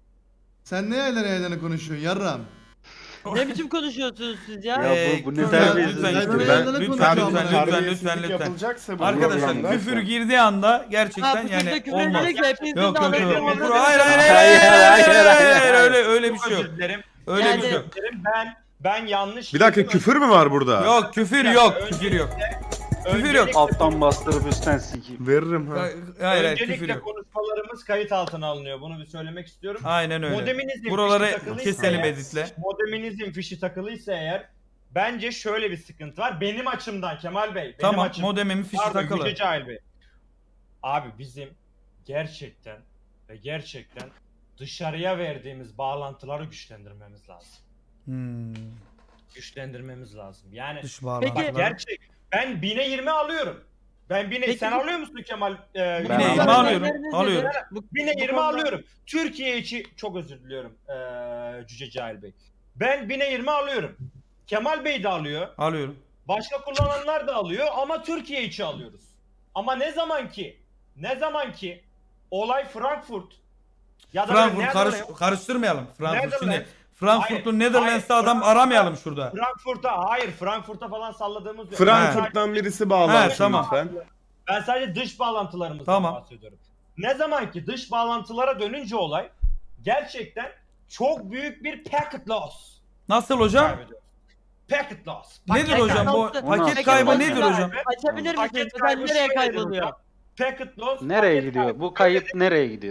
[SPEAKER 4] Sen ne yerden yerden konuşuyorsun yarram?
[SPEAKER 1] Ne biçim konuşuyorsunuz siz ya?
[SPEAKER 3] Ya
[SPEAKER 2] Ee,
[SPEAKER 3] bu- bu ne
[SPEAKER 2] lütfen,
[SPEAKER 3] terbiyesizlik
[SPEAKER 2] lütfen,
[SPEAKER 4] ya?
[SPEAKER 2] lütfen,
[SPEAKER 4] Ben-
[SPEAKER 2] lütfen,
[SPEAKER 4] ben-
[SPEAKER 2] lütfen,
[SPEAKER 4] ben-
[SPEAKER 2] lütfen, lütfen, lütfen, lütfen.
[SPEAKER 6] yapılacaksa bu
[SPEAKER 2] Arkadaşlar
[SPEAKER 6] programda-
[SPEAKER 2] küfür girdiği anda gerçekten
[SPEAKER 1] Ha, bu
[SPEAKER 2] yani
[SPEAKER 1] sizde küfür
[SPEAKER 2] olmaz.
[SPEAKER 1] edecek de hepinizin
[SPEAKER 2] Yok
[SPEAKER 1] de
[SPEAKER 2] yok yok.
[SPEAKER 1] anasını
[SPEAKER 2] Hayır
[SPEAKER 1] avradını-
[SPEAKER 2] hayır hayır
[SPEAKER 3] Hayır,
[SPEAKER 2] hayır
[SPEAKER 3] hayır, hayır,
[SPEAKER 2] hayır öyle öyle bir
[SPEAKER 5] Çok
[SPEAKER 2] şey yok.
[SPEAKER 5] özür dilerim.
[SPEAKER 2] Öyle
[SPEAKER 1] Yani-
[SPEAKER 2] bir şey yok.
[SPEAKER 5] Özür dilerim. Ben ben yanlış
[SPEAKER 6] Bir dakika
[SPEAKER 5] girdim.
[SPEAKER 6] küfür mü var burada?
[SPEAKER 2] Yok küfür yok küfür yok. Küfür yok.
[SPEAKER 5] Öncelikle-
[SPEAKER 3] Alttan bastırıp üstten sikeyim.
[SPEAKER 6] Veririm ha.
[SPEAKER 2] Hayır hayır küfür
[SPEAKER 5] Öncelikle
[SPEAKER 2] yok.
[SPEAKER 5] konuşmalarımız kayıt altına alınıyor. Bunu bir söylemek istiyorum.
[SPEAKER 2] Aynen öyle.
[SPEAKER 5] Modeminizin
[SPEAKER 2] Buraları
[SPEAKER 5] fişi takılıysa
[SPEAKER 2] keselim
[SPEAKER 5] eğer-
[SPEAKER 2] editle.
[SPEAKER 5] Modeminizin fişi takılıysa eğer bence şöyle bir sıkıntı var. Benim açımdan Kemal Bey. Benim
[SPEAKER 2] Tamam
[SPEAKER 5] açımdan.
[SPEAKER 2] modemimin fişi
[SPEAKER 5] Pardon,
[SPEAKER 2] takılı.
[SPEAKER 5] Yüce Cahil Bey. Abi bizim gerçekten ve gerçekten dışarıya verdiğimiz bağlantıları güçlendirmemiz lazım.
[SPEAKER 2] Hmm.
[SPEAKER 5] Güçlendirmemiz lazım. Yani
[SPEAKER 2] Dış
[SPEAKER 1] Peki-
[SPEAKER 2] bağlantılar.
[SPEAKER 5] bak gerçek. Ben bine yirmi alıyorum. Ben bine
[SPEAKER 1] Peki-
[SPEAKER 5] sen alıyor musun Kemal? Ee,
[SPEAKER 3] Ben
[SPEAKER 2] Yine
[SPEAKER 3] aldım.
[SPEAKER 2] yirmi alıyorum.
[SPEAKER 1] Neleriniz
[SPEAKER 2] Alıyorum.
[SPEAKER 1] nedir? Bu-
[SPEAKER 5] Bine
[SPEAKER 1] bu
[SPEAKER 5] yirmi
[SPEAKER 1] konuda-
[SPEAKER 5] alıyorum. Türkiye içi çok özür diliyorum ee, Cüce Cahil Bey. Ben bine yirmi alıyorum. Kemal Bey de alıyor.
[SPEAKER 2] Alıyorum.
[SPEAKER 5] Başka kullananlar da alıyor ama Türkiye içi alıyoruz. Ama ne zaman ki ne zaman ki olay Frankfurt ya da
[SPEAKER 2] Frankfurt
[SPEAKER 5] Netherlands-
[SPEAKER 2] karış, karıştırmayalım. Frankfurt
[SPEAKER 5] Netherlands.
[SPEAKER 2] şimdi Frankfurtlu
[SPEAKER 5] Hayır,
[SPEAKER 2] Netherlands'ta
[SPEAKER 5] hayır,
[SPEAKER 2] adam
[SPEAKER 5] Frankfurt'ta-
[SPEAKER 2] aramayalım şurada.
[SPEAKER 5] Frankfurt'a hayır Frankfurt'a falan salladığımız yok.
[SPEAKER 6] Frankfurt'tan birisi bağlansın
[SPEAKER 2] He, tamam.
[SPEAKER 6] lütfen.
[SPEAKER 5] Ben sadece dış bağlantılarımızdan
[SPEAKER 2] Tamam.
[SPEAKER 5] bahsediyorum. Ne zaman ki dış bağlantılara dönünce olay gerçekten çok büyük bir packet loss
[SPEAKER 2] Nasıl hocam?
[SPEAKER 5] kaybediyoruz. Packet loss.
[SPEAKER 2] Nedir
[SPEAKER 5] Paket
[SPEAKER 2] hocam bu
[SPEAKER 1] kaybı-
[SPEAKER 2] paket
[SPEAKER 3] Paket
[SPEAKER 2] kaybı
[SPEAKER 3] kaybı.
[SPEAKER 2] nedir hocam?
[SPEAKER 1] Açabilir
[SPEAKER 5] Paket
[SPEAKER 1] misiniz?
[SPEAKER 5] kaybı
[SPEAKER 1] Mesela nereye
[SPEAKER 5] şöyledir
[SPEAKER 1] kayboluyor?
[SPEAKER 5] hocam. Packet loss.
[SPEAKER 3] Nereye
[SPEAKER 5] paket
[SPEAKER 3] gidiyor?
[SPEAKER 5] kaybı.
[SPEAKER 3] Bu kayıt nereye gidiyor?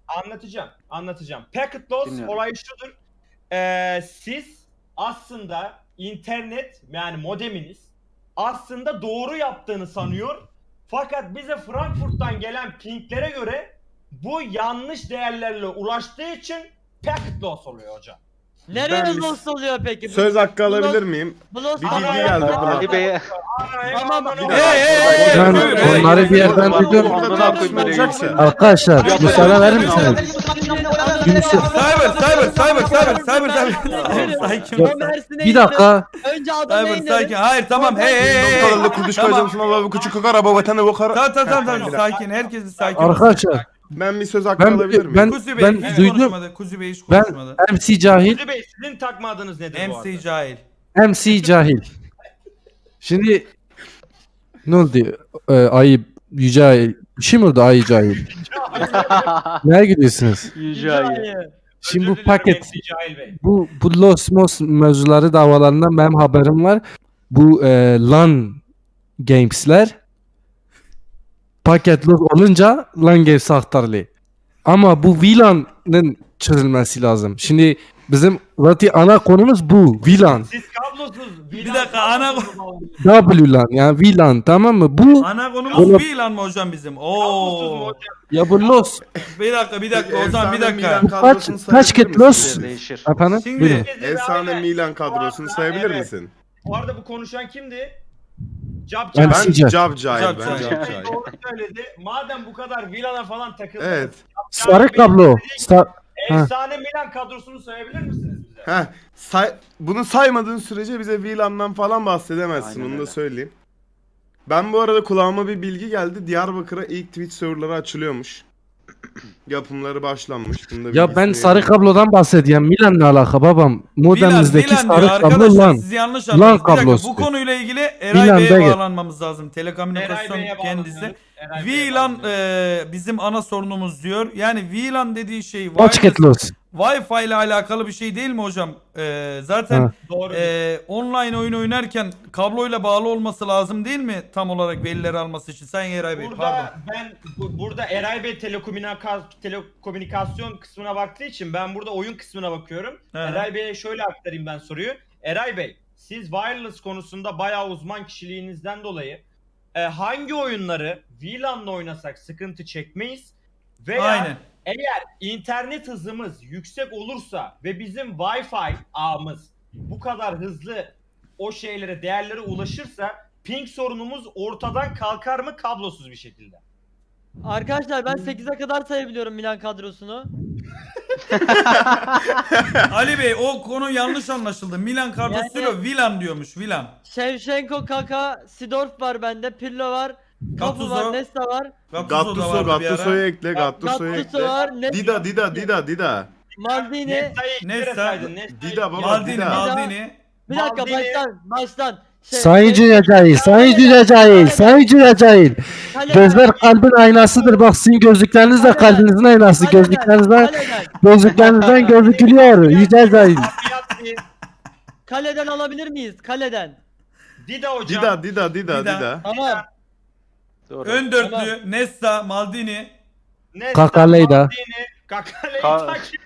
[SPEAKER 5] Anlatacağım. Anlatacağım. Packet loss
[SPEAKER 3] Dinliyorum.
[SPEAKER 5] olayı şudur. Ee, siz aslında internet yani modeminiz aslında doğru yaptığını sanıyor. Fakat bize Frankfurt'tan gelen pinglere göre bu yanlış değerlerle ulaştığı için packet loss oluyor hocam.
[SPEAKER 1] Nereye
[SPEAKER 6] Ben bir-
[SPEAKER 1] lost oluyor peki?
[SPEAKER 6] Söz hakkı alabilir miyim?
[SPEAKER 1] Bu lost
[SPEAKER 6] Bir
[SPEAKER 5] Ana-
[SPEAKER 6] bilgi geldi.
[SPEAKER 5] Ana-
[SPEAKER 6] buna.
[SPEAKER 3] Ali Bey'e
[SPEAKER 1] Tamam.
[SPEAKER 6] Bir
[SPEAKER 2] Hey, hey, hey,
[SPEAKER 8] Ben
[SPEAKER 2] hey, hey,
[SPEAKER 8] onları
[SPEAKER 2] hey,
[SPEAKER 8] bir yerden
[SPEAKER 2] hey,
[SPEAKER 8] duydum.
[SPEAKER 6] Burada tartışma olacaksa.
[SPEAKER 8] Arkadaşlar müsaade verir misiniz? Yunus-
[SPEAKER 2] Cyber, cyber, cyber, cyber, cyber, cyber. Sakin ol.
[SPEAKER 8] Bir dakika.
[SPEAKER 1] Önce adamı
[SPEAKER 2] Cyber,
[SPEAKER 1] indirin.
[SPEAKER 2] sakin. Hayır, tamam. Hey, hey, hey, hey.
[SPEAKER 6] Kalanlı kurduş koyacağım sana abi küçük kakar araba vatanı bu kara.
[SPEAKER 2] Tamam, tamam, tamam, tamam. Sakin. Herkes bir sakin olsun.
[SPEAKER 8] Arkadaşlar
[SPEAKER 6] Ben bir söz hakkı
[SPEAKER 8] ben
[SPEAKER 6] alabilir miyim?
[SPEAKER 8] ben
[SPEAKER 2] Kuzi Bey
[SPEAKER 8] ben
[SPEAKER 2] hiç
[SPEAKER 8] duydum.
[SPEAKER 2] konuşmadı. Kuzi Bey hiç
[SPEAKER 8] Ben
[SPEAKER 2] konuşmadı.
[SPEAKER 8] M C cahil,
[SPEAKER 5] Kuzi Bey sizin takma adınız nedir bu arada?
[SPEAKER 2] M C cahil.
[SPEAKER 8] M C cahil. Şimdi ne oldu? Ee, ayı yüce ayı. Bir şey mi oldu ayı cahil? Neye gidiyorsunuz?
[SPEAKER 3] Yüce Ayı.
[SPEAKER 8] Şimdi bu
[SPEAKER 5] Özür dilerim
[SPEAKER 8] paket,
[SPEAKER 5] M C Cahil Bey.
[SPEAKER 8] bu bu Los Mos mevzuları davalarından benim haberim var. Bu e, LAN Games'ler paket los olunca LAN Games'e aktarılıyor. Ama bu V LAN'ın çözülmesi lazım. Şimdi bizim zaten ana konumuz bu V LAN.
[SPEAKER 5] Siz kablosuz.
[SPEAKER 2] Bir dakika, ana-
[SPEAKER 8] W LAN yani V LAN tamam mı? Bu
[SPEAKER 2] Ana konumuz
[SPEAKER 8] Oğlum-
[SPEAKER 2] bir lan mı hocam bizim?
[SPEAKER 5] Kablosuz mu
[SPEAKER 2] Oo.
[SPEAKER 5] hocam?
[SPEAKER 8] ya bu los
[SPEAKER 2] Bir dakika, bir dakika. O zaman bir
[SPEAKER 6] Efsane
[SPEAKER 2] dakika.
[SPEAKER 6] Milan
[SPEAKER 8] Bu
[SPEAKER 6] kadrosunu
[SPEAKER 8] kaç- kaç
[SPEAKER 6] sayabilir
[SPEAKER 8] ket los?
[SPEAKER 6] misiniz?
[SPEAKER 3] Değişir.
[SPEAKER 8] efendim
[SPEAKER 2] Şimdi-
[SPEAKER 8] buyurun.
[SPEAKER 5] Herkes bir
[SPEAKER 6] Efsane
[SPEAKER 5] aile.
[SPEAKER 6] Milan kadrosunu
[SPEAKER 5] Bu arada-
[SPEAKER 6] sayabilir
[SPEAKER 5] evet.
[SPEAKER 6] misin?
[SPEAKER 5] Bu arada bu konuşan kimdi? Cap
[SPEAKER 8] Ben-
[SPEAKER 5] Cap.
[SPEAKER 6] Ben
[SPEAKER 8] Sizce?
[SPEAKER 6] Cab Cahil,
[SPEAKER 2] Cab
[SPEAKER 6] ben
[SPEAKER 2] Cahil.
[SPEAKER 6] Cab Cahil.
[SPEAKER 5] Doğru söyledi. Madem bu kadar Vila'na falan takıldınız.
[SPEAKER 6] Evet.
[SPEAKER 8] Sarı kablo. Sar- Ha.
[SPEAKER 5] Efsane Milan kadrosunu sayabilir misiniz bize?
[SPEAKER 6] Heh, say bunu saymadığın sürece bize V LAN'dan falan bahsedemezsin,
[SPEAKER 3] Aynen
[SPEAKER 6] onu da
[SPEAKER 3] öyle.
[SPEAKER 6] söyleyeyim. Ben bu arada kulağıma bir bilgi geldi. Diyarbakır'a ilk Twitch serverları açılıyormuş. Yapımları başlanmış. Bunu da
[SPEAKER 8] Ya ben
[SPEAKER 6] bilgisini
[SPEAKER 8] sarı
[SPEAKER 6] vereyim.
[SPEAKER 8] kablodan bahsediyorum. Milan ne alaka babam? Modemimizdeki
[SPEAKER 2] Milan, Milan
[SPEAKER 8] sarı
[SPEAKER 2] diyor.
[SPEAKER 8] kablo
[SPEAKER 2] Arkadaşlar
[SPEAKER 8] lan.
[SPEAKER 2] siz yanlış
[SPEAKER 8] Lan
[SPEAKER 2] anladınız. Bir dakika,
[SPEAKER 8] kablosu.
[SPEAKER 2] bu konuyla ilgili Eray
[SPEAKER 8] Milan
[SPEAKER 2] Bey'e
[SPEAKER 8] Bey.
[SPEAKER 2] bağlanmamız lazım.
[SPEAKER 5] Eray
[SPEAKER 2] Telekomünikasyon
[SPEAKER 5] Bey'e
[SPEAKER 2] kendisi.
[SPEAKER 5] bağlanıyoruz. Eray Bey'e
[SPEAKER 2] V LAN
[SPEAKER 5] bağlanıyoruz.
[SPEAKER 2] e, bizim ana sorunumuz diyor. Yani V LAN dediği şey
[SPEAKER 8] Kaç
[SPEAKER 2] wireless-
[SPEAKER 8] ket los?
[SPEAKER 2] Wi-Fi ile alakalı bir şey değil mi hocam? E, zaten
[SPEAKER 8] Ha.
[SPEAKER 5] Doğru.
[SPEAKER 2] e, online oyun oynarken kabloyla bağlı olması lazım değil mi? Tam olarak verileri alması için. Sayın Eray Bey,
[SPEAKER 5] Burada
[SPEAKER 2] pardon.
[SPEAKER 5] ben bu- burada Eray Bey telekomünika- telekomünikasyon kısmına baktığı için ben burada oyun kısmına bakıyorum.
[SPEAKER 2] He.
[SPEAKER 5] Eray Bey'e şöyle aktarayım ben soruyu. Eray Bey, siz wireless konusunda bayağı uzman kişiliğinizden dolayı e, hangi oyunları V LAN'la oynasak sıkıntı çekmeyiz veya
[SPEAKER 2] Aynen.
[SPEAKER 5] eğer internet hızımız yüksek olursa ve bizim Wi-Fi ağımız bu kadar hızlı o şeylere, değerlere ulaşırsa ping sorunumuz ortadan kalkar mı kablosuz bir şekilde?
[SPEAKER 1] Arkadaşlar ben sekize kadar sayabiliyorum Milan kadrosunu.
[SPEAKER 2] Ali Bey, o konu yanlış anlaşıldı. Milan kadrosuyla
[SPEAKER 1] Yani-
[SPEAKER 2] V LAN diyormuş. V LAN.
[SPEAKER 1] Shevchenko, Kaka, Sidorf var bende, Pirlo var, Kafu
[SPEAKER 2] Gattuso.
[SPEAKER 1] var, Nesta var,
[SPEAKER 2] Gattuso da
[SPEAKER 6] Gattuso,
[SPEAKER 2] vardı bir ara.
[SPEAKER 6] Gattuso'yu ekle, Gattuso'yu
[SPEAKER 1] Gattuso
[SPEAKER 6] ekle.
[SPEAKER 1] var, Nesta,
[SPEAKER 6] Dida, Dida, Dida, Dida.
[SPEAKER 1] Maldini.
[SPEAKER 5] Nesta'yı
[SPEAKER 2] Nesta-
[SPEAKER 5] eklere saydın. Nesta'yı
[SPEAKER 6] Dida baba,
[SPEAKER 2] Maldini,
[SPEAKER 6] Dida.
[SPEAKER 2] Maldini.
[SPEAKER 1] Bir dakika
[SPEAKER 5] Maldini.
[SPEAKER 1] baştan, baştan. Şey-
[SPEAKER 8] Sayın
[SPEAKER 1] şey-
[SPEAKER 8] Cüce Cahil, Sayın Cüce Cahil, Sayın Cüce Cahil.
[SPEAKER 1] Kaleden-
[SPEAKER 8] Gözler kalbin aynasıdır. Bak sizin gözlükleriniz de
[SPEAKER 1] Kaleden-
[SPEAKER 8] kalbinizin aynası.
[SPEAKER 1] Kaleden-
[SPEAKER 8] Gözlüklerinizden,
[SPEAKER 1] Kaleden,
[SPEAKER 8] gözlüklerinizden gözükülüyor. Yüce Cahil.
[SPEAKER 5] Afiyet
[SPEAKER 1] kaleden alabilir miyiz? Kaleden.
[SPEAKER 5] Dida hocam.
[SPEAKER 6] Dida, Dida, Dida,
[SPEAKER 2] Dida.
[SPEAKER 6] Dida.
[SPEAKER 1] Tamam.
[SPEAKER 3] Doğru.
[SPEAKER 2] Ön dörtlü. Nesta, Maldini.
[SPEAKER 5] Nesta,
[SPEAKER 8] Kakaleyda.
[SPEAKER 5] Maldini, Kakaleyda
[SPEAKER 3] Ka-
[SPEAKER 5] kim?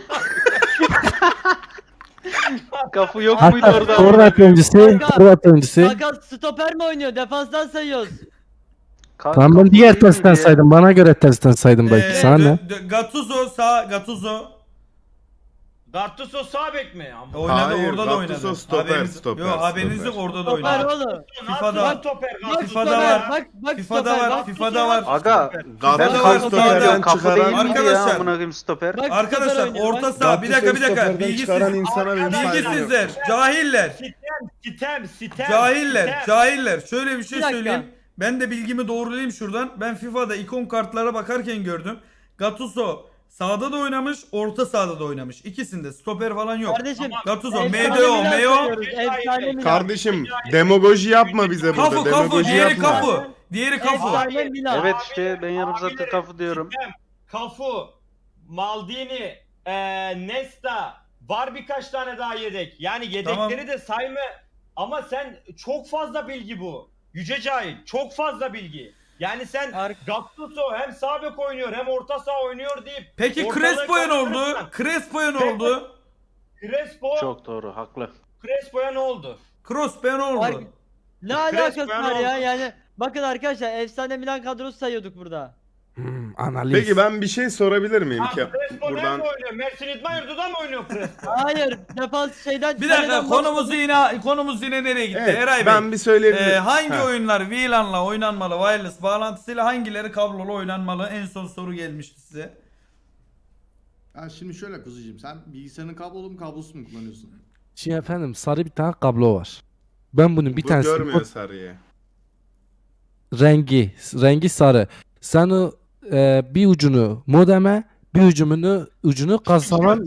[SPEAKER 3] Kafu yok muydu
[SPEAKER 8] Hatta
[SPEAKER 3] orada?
[SPEAKER 8] forvet oyuncusu, forvet oyuncusu.
[SPEAKER 1] Kaka stoper mi oynuyor? Defanstan sayıyoruz.
[SPEAKER 3] Ka-
[SPEAKER 8] Tamam ben
[SPEAKER 3] Kafu
[SPEAKER 8] diğer
[SPEAKER 3] değil
[SPEAKER 8] testten
[SPEAKER 3] miydi?
[SPEAKER 8] saydım. Bana göre testten saydım belki.
[SPEAKER 2] Ee,
[SPEAKER 8] Sana ne?
[SPEAKER 2] dö- dö- Gattuso sağ, Gattuso.
[SPEAKER 5] Gattuso sağ bek mi? Ama
[SPEAKER 2] Oynadı,
[SPEAKER 6] Hayır,
[SPEAKER 2] orada da
[SPEAKER 6] Gattuso
[SPEAKER 2] oynadı.
[SPEAKER 6] stoper,
[SPEAKER 2] Haberiniz,
[SPEAKER 6] stoper,
[SPEAKER 2] yok, haberiniz
[SPEAKER 6] stoper.
[SPEAKER 2] yok, orada da
[SPEAKER 1] Stoper
[SPEAKER 2] oynadı.
[SPEAKER 1] oğlum.
[SPEAKER 2] FIFA'da
[SPEAKER 5] Nasıl
[SPEAKER 2] var.
[SPEAKER 5] stoper?
[SPEAKER 1] Bak
[SPEAKER 5] Gattuso
[SPEAKER 2] FIFA'da
[SPEAKER 1] stoper,
[SPEAKER 2] var.
[SPEAKER 1] Bak, bak
[SPEAKER 2] FIFA'da
[SPEAKER 1] stoper,
[SPEAKER 2] var,
[SPEAKER 1] bak
[SPEAKER 2] FIFA'da var.
[SPEAKER 3] Aga
[SPEAKER 6] Gattuso
[SPEAKER 3] ben
[SPEAKER 2] FIFA'da
[SPEAKER 3] Kafu
[SPEAKER 2] stoperden
[SPEAKER 3] diyorum. Kafu
[SPEAKER 6] çıkaran-
[SPEAKER 3] değil miydi ya
[SPEAKER 2] Arkadaşlar-
[SPEAKER 3] amına koyayım stoper?
[SPEAKER 1] Bak,
[SPEAKER 2] Arkadaşlar
[SPEAKER 1] stoper oynuyor,
[SPEAKER 2] orta
[SPEAKER 1] bak.
[SPEAKER 2] saha, bir dakika bir dakika.
[SPEAKER 6] Gattuso'yu çıkaran
[SPEAKER 2] Bilgisiz,
[SPEAKER 6] insana benim saygım yok.
[SPEAKER 2] bilgisizler, cahiller.
[SPEAKER 5] Sitem, sitem, sitem.
[SPEAKER 2] Cahiller,
[SPEAKER 5] sitem.
[SPEAKER 2] cahiller. Şöyle bir şey
[SPEAKER 1] Bir dakika.
[SPEAKER 2] söyleyeyim. Ben de bilgimi doğrulayayım şuradan. Ben FIFA'da ikon kartlara bakarken gördüm. Gattuso sağda da oynamış, orta sahada da oynamış. İkisinde stoper falan yok.
[SPEAKER 1] Kardeşim.
[SPEAKER 2] Gattuso,
[SPEAKER 1] efsane
[SPEAKER 2] M D O,
[SPEAKER 1] Milan
[SPEAKER 2] Meo.
[SPEAKER 1] sayıyoruz, efsane Milan.
[SPEAKER 6] Kardeşim demagoji yapma bize burada.
[SPEAKER 2] Kafu, kafu,
[SPEAKER 6] Demagoji
[SPEAKER 2] diğeri
[SPEAKER 6] yapma.
[SPEAKER 2] kafu. Diğeri kafu.
[SPEAKER 1] Efsane Milan.
[SPEAKER 3] Evet işte ben yarım saattir
[SPEAKER 5] Abileri,
[SPEAKER 3] Kafu diyorum.
[SPEAKER 5] Sitem, Kafu, Maldini, eee Nesta, var birkaç tane daha yedek. Yani yedekleri
[SPEAKER 2] Tamam.
[SPEAKER 5] de sayma ama sen çok fazla bilgi bu. Yüce Cahil çok fazla bilgi. Yani sen
[SPEAKER 1] Ar-
[SPEAKER 5] Gattuso hem sağ bek oynuyor hem orta saha oynuyor deyip
[SPEAKER 2] Peki
[SPEAKER 5] ortalığı
[SPEAKER 2] Crespo'ya ne oldu?
[SPEAKER 5] karıştırırsan-
[SPEAKER 2] Crespo'ya ne oldu?
[SPEAKER 5] Crespo,
[SPEAKER 3] Çok doğru, haklı.
[SPEAKER 5] Crespo'ya ne oldu?
[SPEAKER 2] Crespo'ya ne
[SPEAKER 1] Ar-
[SPEAKER 2] oldu?
[SPEAKER 1] Ne alakası
[SPEAKER 5] Resmen
[SPEAKER 1] var ya?
[SPEAKER 5] oldu.
[SPEAKER 1] Yani bakın arkadaşlar efsane Milan kadrosu sayıyorduk burada.
[SPEAKER 8] Hmm, analiz.
[SPEAKER 6] Peki ben bir şey sorabilir miyim
[SPEAKER 5] Ha,
[SPEAKER 6] ki?
[SPEAKER 5] Crespo
[SPEAKER 6] Buradan
[SPEAKER 5] nerede oynuyor? Mersin İdman Yurdu'da mı oynuyor Crespo?
[SPEAKER 1] Hayır, defans şeyden
[SPEAKER 2] Bir dakika
[SPEAKER 1] kaleden
[SPEAKER 2] konumuz
[SPEAKER 1] başladık.
[SPEAKER 2] yine konumuz yine nereye gitti?
[SPEAKER 6] evet,
[SPEAKER 2] Eray Bey.
[SPEAKER 6] ben bir söyleyebilirim.
[SPEAKER 2] Ee, hangi
[SPEAKER 6] Ha.
[SPEAKER 2] oyunlar V LAN'la oynanmalı, wireless bağlantısıyla hangileri kablolu oynanmalı? En son soru gelmişti size.
[SPEAKER 4] Ya şimdi şöyle kuzucuğum, sen bilgisayarın kablolu mu kablosuz mu kullanıyorsun?
[SPEAKER 8] Şimdi efendim sarı bir tane kablo var. Ben bunun bir
[SPEAKER 6] Bu
[SPEAKER 8] tanesi
[SPEAKER 6] görmüyor sarıyı.
[SPEAKER 8] rengi rengi sarı. Sen o e, bir ucunu modeme, bir ucunu ucunu kasalan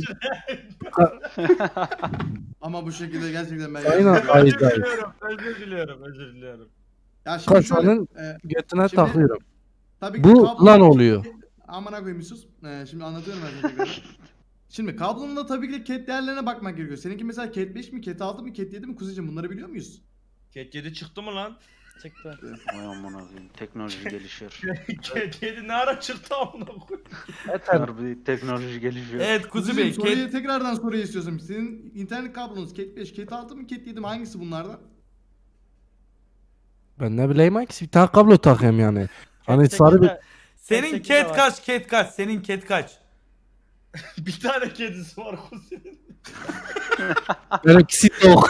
[SPEAKER 4] Ama bu şekilde gerçekten ben...
[SPEAKER 8] Aynen.
[SPEAKER 5] özür
[SPEAKER 8] Hayır, hayır.
[SPEAKER 5] diliyorum, özür diliyorum, özür diliyorum.
[SPEAKER 4] Ya şimdi şöyle,
[SPEAKER 8] kasanın
[SPEAKER 4] e,
[SPEAKER 8] götüne
[SPEAKER 4] Şimdi-
[SPEAKER 8] takıyorum.
[SPEAKER 4] tabii ki
[SPEAKER 8] Bu
[SPEAKER 4] kablo-
[SPEAKER 8] lan oluyor.
[SPEAKER 4] Amına koyayım Yusuf. Ee, şimdi anlatıyorum ben sana tekrar. Şimdi kablonun da tabii ki de cat değerlerine bakmak gerekiyor. Seninki mesela cat beş mi, cat altı mı, cat yedi mi kuzucuğum, bunları biliyor muyuz?
[SPEAKER 5] Ket yedi çıktı mı lan?
[SPEAKER 1] Çıktı.
[SPEAKER 3] Vay amına koyayım. Teknoloji gelişiyor.
[SPEAKER 5] Ket yedi ne ara çıktı amına koyayım?
[SPEAKER 3] Harbi teknoloji gelişiyor.
[SPEAKER 2] Evet Kuzu
[SPEAKER 4] Kuzucuğum,
[SPEAKER 2] Bey.
[SPEAKER 4] soruyu
[SPEAKER 2] Ket-
[SPEAKER 4] tekrardan soruyu istiyorsun. Senin internet kablonuz cat beş, cat altı mı, cat yedi mi, hangisi bunlardan?
[SPEAKER 8] Ben ne bileyim hangisi bir tane kablo takayım yani. Hani
[SPEAKER 1] Tek
[SPEAKER 8] sarı bir
[SPEAKER 1] sekizde-
[SPEAKER 2] Senin
[SPEAKER 1] sekiz de
[SPEAKER 2] ket
[SPEAKER 1] var.
[SPEAKER 2] kaç? Ket kaç? Senin ket kaç?
[SPEAKER 5] Bir tane kedisi var kuzenin.
[SPEAKER 8] benimkisi yok.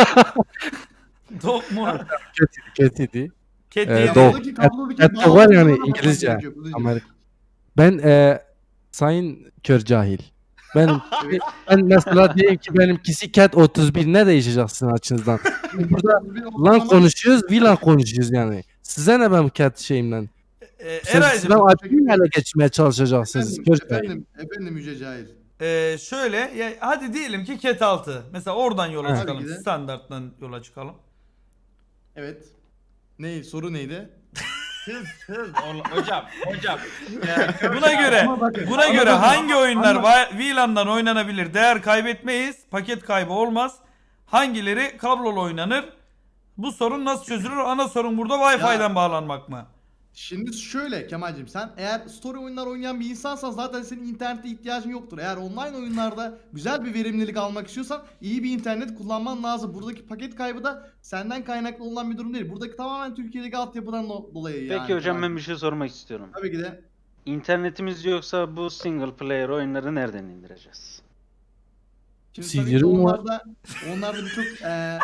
[SPEAKER 2] Dok mu?
[SPEAKER 8] Kötüydü.
[SPEAKER 2] Ket
[SPEAKER 8] Ee,
[SPEAKER 2] yedi.
[SPEAKER 8] dok.
[SPEAKER 4] Kablodaki- kablodaki
[SPEAKER 8] cat- cat
[SPEAKER 4] bağlantı
[SPEAKER 8] var yani
[SPEAKER 4] ona bakmak
[SPEAKER 8] İngilizce.
[SPEAKER 4] gerekiyor kuzucuğum.
[SPEAKER 8] Amerika. Ben e, sayın kör cahil. Benim ben mesela diyeyim ki benimkisi cat otuz bir, ne değişeceksin açınızdan? Burada
[SPEAKER 4] Bir
[SPEAKER 8] lan
[SPEAKER 4] ortalama-
[SPEAKER 8] konuşuyoruz, vilan konuşuyoruz yani. Size ne ben cat şeyimden?
[SPEAKER 2] Ee,
[SPEAKER 8] Sen
[SPEAKER 2] Eray'cığım
[SPEAKER 8] sizden admin ele geçmeye çalışacaksınız.
[SPEAKER 4] Efendim,
[SPEAKER 8] Kör cahil.
[SPEAKER 4] efendim, efendim Yüce Cahil.
[SPEAKER 2] e, şöyle ya, hadi diyelim ki ket altı. Mesela oradan yola
[SPEAKER 8] Ha.
[SPEAKER 2] çıkalım.
[SPEAKER 4] Tabii ki de.
[SPEAKER 2] Standarttan yola çıkalım.
[SPEAKER 4] Evet. Ne, soru neydi?
[SPEAKER 5] Hız hız. Oğlum, Hocam hocam. Ee,
[SPEAKER 2] Buna göre
[SPEAKER 4] Ama bakın,
[SPEAKER 2] buna
[SPEAKER 4] ama
[SPEAKER 2] göre
[SPEAKER 4] bakın,
[SPEAKER 2] hangi oyunlar
[SPEAKER 4] ama-
[SPEAKER 2] va- V LAN'dan oynanabilir? Değer kaybetmeyiz. Paket kaybı olmaz. Hangileri kablolu oynanır? Bu sorun nasıl çözülür? Ana sorun burada Wi-Fi'den bağlanmak mı?
[SPEAKER 4] Şimdi şöyle Kemal'cim, sen eğer story oyunlar oynayan bir insansan zaten senin internete ihtiyacın yoktur. Eğer online oyunlarda güzel bir verimlilik almak istiyorsan iyi bir internet kullanman lazım. Buradaki paket kaybı da senden kaynaklı olan bir durum değil. Buradaki tamamen Türkiye'deki altyapıdan do- dolayı yani.
[SPEAKER 3] Peki hocam ben
[SPEAKER 4] Kemal'cim.
[SPEAKER 3] bir şey sormak istiyorum.
[SPEAKER 4] Tabii ki de.
[SPEAKER 3] İnternetimiz yoksa bu single player oyunları nereden indireceğiz?
[SPEAKER 4] Şimdi
[SPEAKER 8] C
[SPEAKER 4] tabii ki
[SPEAKER 8] D ROM var.
[SPEAKER 4] onlarda, onlarda birçok eee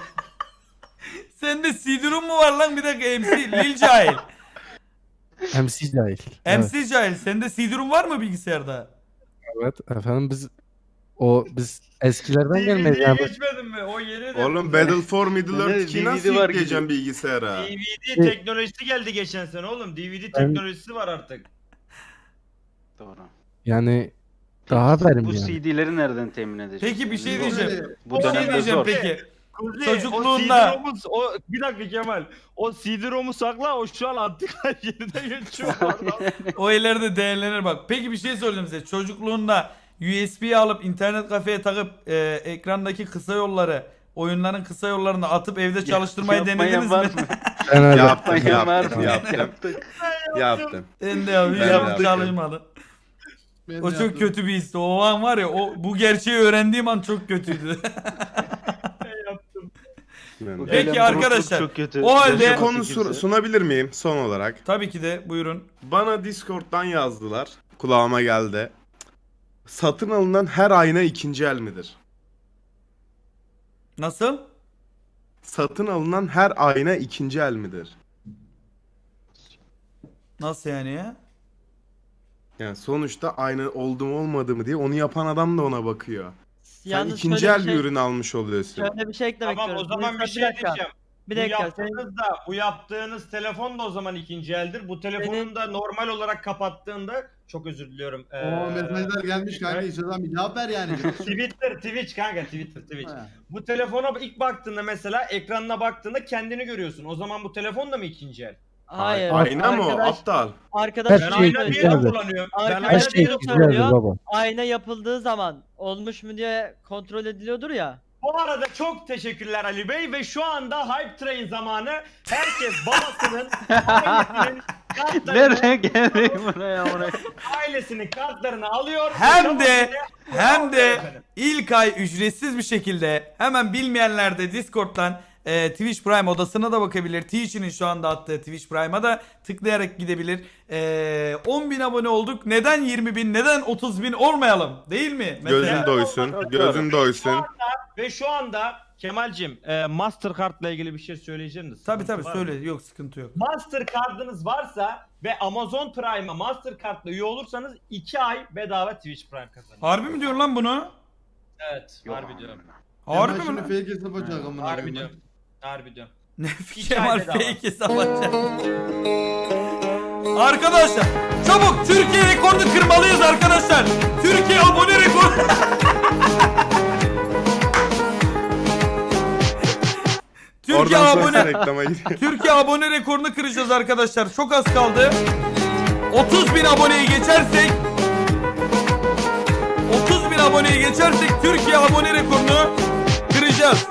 [SPEAKER 2] Sende C D ROM mu var lan? Bir dakika M C Lil Cahil.
[SPEAKER 8] M C cahil.
[SPEAKER 2] M
[SPEAKER 8] Evet,
[SPEAKER 2] C Cahil. Sende C D ROM var mı bilgisayarda?
[SPEAKER 8] evet efendim biz o biz eskilerden
[SPEAKER 5] D V
[SPEAKER 8] gelmeyiz
[SPEAKER 5] D'ye
[SPEAKER 8] yani.
[SPEAKER 5] geçmedin mi? O yeni de.
[SPEAKER 6] Oğlum Battle for Middle Earth
[SPEAKER 3] Ne,
[SPEAKER 6] iki
[SPEAKER 3] D V
[SPEAKER 6] nasıl
[SPEAKER 3] D var
[SPEAKER 6] yükleyeceğim
[SPEAKER 3] gibi.
[SPEAKER 6] bilgisayara?
[SPEAKER 5] D V D teknolojisi geldi geçen sene oğlum. D V D teknolojisi var artık.
[SPEAKER 3] Doğru.
[SPEAKER 8] Yani daha verim
[SPEAKER 3] Bu
[SPEAKER 8] yani.
[SPEAKER 3] C D'leri nereden temin edeceğiz?
[SPEAKER 2] Peki bir şey
[SPEAKER 3] Yani
[SPEAKER 2] diyeceğim.
[SPEAKER 3] Bu
[SPEAKER 2] Bir şey
[SPEAKER 3] dönemde
[SPEAKER 2] diyeceğim
[SPEAKER 3] zor.
[SPEAKER 2] peki.
[SPEAKER 5] Kuzi,
[SPEAKER 2] Çocukluğunda-
[SPEAKER 5] O C D ROM'u, o, bir dakika Kemal. O C D ROM'u sakla, o şu an antika yerine geçiyor.
[SPEAKER 2] O ileride değerlenir bak. Peki bir şey söyleyeyim size. Çocukluğunda U S B'yi alıp internet kafeye takıp e, ekrandaki kısa yolları, oyunların kısa yollarını atıp evde çalıştırmayı
[SPEAKER 3] Yapmayan
[SPEAKER 2] denediniz
[SPEAKER 3] var
[SPEAKER 2] mi?
[SPEAKER 3] mı?
[SPEAKER 8] Ben öyle.
[SPEAKER 6] Yaptım,
[SPEAKER 3] Yapmayan var
[SPEAKER 6] yaptım,
[SPEAKER 3] mı?
[SPEAKER 6] yaptım.
[SPEAKER 3] Yaptık.
[SPEAKER 6] Yaptım.
[SPEAKER 2] Ben de abi
[SPEAKER 6] Ben de
[SPEAKER 2] yaptım
[SPEAKER 6] yaptım.
[SPEAKER 2] çalışmadı.
[SPEAKER 4] ben
[SPEAKER 2] O
[SPEAKER 4] de
[SPEAKER 2] çok
[SPEAKER 4] yaptım.
[SPEAKER 2] kötü bir histi. O an var ya o bu gerçeği öğrendiğim an çok kötüydü.
[SPEAKER 6] Ben de.
[SPEAKER 2] Peki
[SPEAKER 3] Eylem
[SPEAKER 2] arkadaşlar,
[SPEAKER 3] çok kötü.
[SPEAKER 2] o halde-
[SPEAKER 6] Bir
[SPEAKER 2] Bir
[SPEAKER 6] konu sur- sunabilir miyim son olarak?
[SPEAKER 2] Tabii ki de buyurun.
[SPEAKER 6] Bana Discord'dan yazdılar. Kulağıma geldi. Satın alınan her ayna ikinci el midir?
[SPEAKER 2] Nasıl?
[SPEAKER 6] Satın alınan her ayna ikinci el midir?
[SPEAKER 2] Nasıl yani ya?
[SPEAKER 6] Yani sonuçta ayna oldu mu olmadı mı diye onu yapan adam da ona bakıyor. Sen
[SPEAKER 1] Yalnız
[SPEAKER 6] ikinci
[SPEAKER 1] şöyle
[SPEAKER 6] el
[SPEAKER 1] bir
[SPEAKER 6] bir
[SPEAKER 1] şey,
[SPEAKER 6] ürün almış oluyorsun.
[SPEAKER 1] şöyle bir şey eklemek
[SPEAKER 5] Tamam o
[SPEAKER 1] istiyorum.
[SPEAKER 5] zaman bir
[SPEAKER 1] Mesela
[SPEAKER 5] şey
[SPEAKER 1] dakika,
[SPEAKER 5] diyeceğim.
[SPEAKER 1] Bir
[SPEAKER 5] Bu
[SPEAKER 1] dakika. Senin,
[SPEAKER 5] yaptığınız da bu yaptığınız telefon da o zaman ikinci eldir. Bu telefonu da normal olarak kapattığında çok özür diliyorum. Ee,
[SPEAKER 4] Oo, mesajlar gelmiş kanka,
[SPEAKER 5] evet.
[SPEAKER 4] istiyorsan bir cevap ver yani.
[SPEAKER 5] Twitter, Twitch kanka Twitter, Twitch.
[SPEAKER 4] Ha.
[SPEAKER 5] Bu telefona ilk baktığında mesela ekranına baktığında kendini görüyorsun. O zaman bu telefon da mı ikinci el?
[SPEAKER 1] hayır.
[SPEAKER 6] Ayna mı o?
[SPEAKER 1] arkadaş-
[SPEAKER 6] Aptal.
[SPEAKER 1] Arkadaş
[SPEAKER 8] Her
[SPEAKER 5] Ben
[SPEAKER 8] şey
[SPEAKER 5] ayna
[SPEAKER 1] şöyle
[SPEAKER 5] diye
[SPEAKER 8] güzeldir.
[SPEAKER 5] de kullanıyorum. Ben
[SPEAKER 1] Arkadaş
[SPEAKER 8] Her
[SPEAKER 5] ayna
[SPEAKER 8] şey
[SPEAKER 5] diye de
[SPEAKER 1] güzel.
[SPEAKER 5] kullanıyorum.
[SPEAKER 8] güzeldir
[SPEAKER 1] söylüyor.
[SPEAKER 8] baba.
[SPEAKER 1] ayna yapıldığı zaman olmuş mu diye kontrol ediliyordur ya.
[SPEAKER 5] Bu arada çok teşekkürler Ali Bey ve şu anda Hype Train zamanı. Herkes babasının, ailesinin kartlarını,
[SPEAKER 3] Nereden geldik buraya buraya?
[SPEAKER 5] ailesinin kartlarını alıyor.
[SPEAKER 2] Hem de
[SPEAKER 5] Tabanıyla
[SPEAKER 2] hem de
[SPEAKER 5] efendim.
[SPEAKER 2] ilk ay ücretsiz bir şekilde hemen bilmeyenler de Discord'dan e, Twitch Prime odasına da bakabilir. Twitch'in şu anda attığı Twitch Prime'a da tıklayarak gidebilir. E, on bin abone olduk. Neden yirmi bin? Neden otuz bin olmayalım? Değil mi? Mesela.
[SPEAKER 6] Gözün doysun. Gözün doysun.
[SPEAKER 5] Ve şu anda Kemal'cim e, Mastercard'la ilgili bir şey söyleyeceğim de.
[SPEAKER 2] Tabii
[SPEAKER 5] sıkıntı
[SPEAKER 2] tabii
[SPEAKER 5] var
[SPEAKER 2] söyle.
[SPEAKER 5] mı?
[SPEAKER 2] Yok sıkıntı yok.
[SPEAKER 5] Mastercard'ınız varsa ve Amazon Prime'a Mastercard'la üye olursanız iki ay bedava Twitch Prime kazanıyorsunuz.
[SPEAKER 2] Harbi mi diyorsun lan bunu?
[SPEAKER 5] Evet, harbi diyorum.
[SPEAKER 2] Harbi
[SPEAKER 4] Kemal
[SPEAKER 2] mi
[SPEAKER 4] şimdi
[SPEAKER 2] lan?
[SPEAKER 4] fake hesap açacak amına
[SPEAKER 5] Harbi
[SPEAKER 4] koyayım.
[SPEAKER 5] diyorum. Harbi diyorum.
[SPEAKER 2] Ne
[SPEAKER 5] İki
[SPEAKER 2] Kemal
[SPEAKER 5] ay bedava.
[SPEAKER 2] fake hesap açacak. Arkadaşlar çabuk Türkiye rekorunu kırmalıyız arkadaşlar. Türkiye abone rekoru. Türkiye
[SPEAKER 6] Oradan sonrası
[SPEAKER 2] abone
[SPEAKER 6] reklama gidiyor.
[SPEAKER 2] Türkiye abone rekorunu kıracağız arkadaşlar. Çok az kaldı. otuz bin aboneyi geçersek otuz bin aboneyi geçersek Türkiye abone rekorunu kıracağız.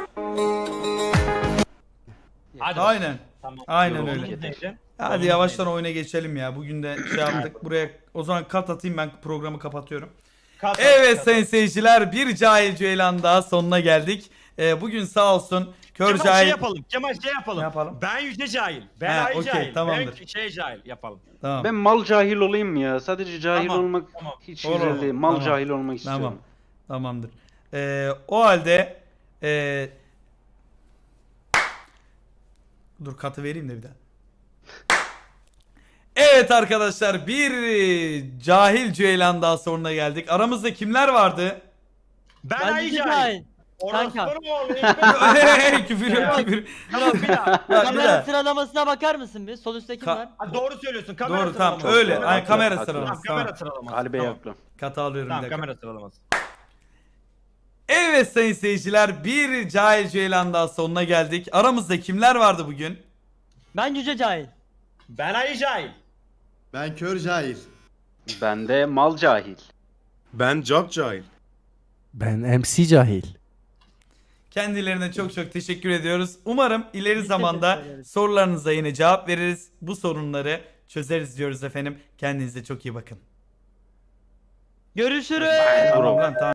[SPEAKER 5] Hadi
[SPEAKER 2] Aynen.
[SPEAKER 5] Tamam.
[SPEAKER 2] Aynen
[SPEAKER 5] Yolunuz
[SPEAKER 2] öyle.
[SPEAKER 5] neydi?
[SPEAKER 2] Hadi
[SPEAKER 5] Yolunuz
[SPEAKER 2] yavaştan
[SPEAKER 5] neydi?
[SPEAKER 2] oyuna geçelim ya. Bugün de şey yaptık. Buraya o zaman kat atayım, ben programı kapatıyorum.
[SPEAKER 5] Kat-
[SPEAKER 2] Evet
[SPEAKER 5] kat-
[SPEAKER 2] sayın seyirciler, bir cahil ceylan daha sonuna geldik. Ee, bugün sağ olsun kör
[SPEAKER 5] Kemal şey
[SPEAKER 2] cahil.
[SPEAKER 5] yapalım. Kemal şey yapalım.
[SPEAKER 2] Ne yapalım?
[SPEAKER 5] Ben yüce cahil. Ben
[SPEAKER 2] Ha,
[SPEAKER 5] ay
[SPEAKER 2] okey,
[SPEAKER 5] cahil.
[SPEAKER 2] tamamdır.
[SPEAKER 5] Ben şey cahil yapalım.
[SPEAKER 2] Tamam.
[SPEAKER 3] Ben mal cahil olayım mı ya? Sadece cahil
[SPEAKER 5] Tamam,
[SPEAKER 3] olmak
[SPEAKER 5] tamam.
[SPEAKER 3] hiç
[SPEAKER 2] Olur,
[SPEAKER 3] güzel değil. Mal
[SPEAKER 2] tamam.
[SPEAKER 3] cahil olmak istiyorum.
[SPEAKER 2] Tamam. Tamamdır. Ee, o halde ee, dur katı vereyim de bir daha. Evet arkadaşlar, bir cahil ceylan daha sonuna geldik. Aramızda kimler vardı?
[SPEAKER 5] Ben,
[SPEAKER 1] Ben
[SPEAKER 5] ay
[SPEAKER 1] yüce
[SPEAKER 5] cahil.
[SPEAKER 1] cahil. Kanka.
[SPEAKER 5] Orospu oğlu.
[SPEAKER 2] Hey, küfür yok küfür.
[SPEAKER 5] Tamam bir daha.
[SPEAKER 2] Ya, bir
[SPEAKER 1] Kamera
[SPEAKER 2] daha.
[SPEAKER 1] sıralamasına bakar mısın bir? Sol üstte kim
[SPEAKER 2] Ka-
[SPEAKER 1] var?
[SPEAKER 5] Ha, doğru söylüyorsun. Kamera
[SPEAKER 2] Doğru tamam
[SPEAKER 5] sıralaması.
[SPEAKER 2] öyle.
[SPEAKER 5] Doğru.
[SPEAKER 2] Ay, kamera
[SPEAKER 3] Tamam,
[SPEAKER 2] sıralaması.
[SPEAKER 5] Tamam, kamera
[SPEAKER 2] Tamam.
[SPEAKER 5] sıralaması.
[SPEAKER 3] Kalbe
[SPEAKER 5] tamam.
[SPEAKER 3] yakla.
[SPEAKER 2] Katı alıyorum bir
[SPEAKER 5] Tamam,
[SPEAKER 2] dakika.
[SPEAKER 5] kamera sıralaması.
[SPEAKER 2] Evet sayın seyirciler, bir cahil ceylan daha sonuna geldik. Aramızda kimler vardı bugün?
[SPEAKER 1] Ben yüce cahil.
[SPEAKER 5] Ben ay cahil.
[SPEAKER 4] Ben kör cahil.
[SPEAKER 3] Ben de mal cahil.
[SPEAKER 6] Ben çok cahil.
[SPEAKER 8] Ben M C cahil.
[SPEAKER 2] Kendilerine çok çok teşekkür ediyoruz. Umarım ileri
[SPEAKER 1] Biz
[SPEAKER 2] zamanda
[SPEAKER 1] teşekkür ederiz.
[SPEAKER 2] sorularınıza yine cevap veririz. Bu sorunları çözeriz diyoruz efendim. Kendinize çok iyi bakın.
[SPEAKER 1] Görüşürüz.
[SPEAKER 2] Tamam lan tamam.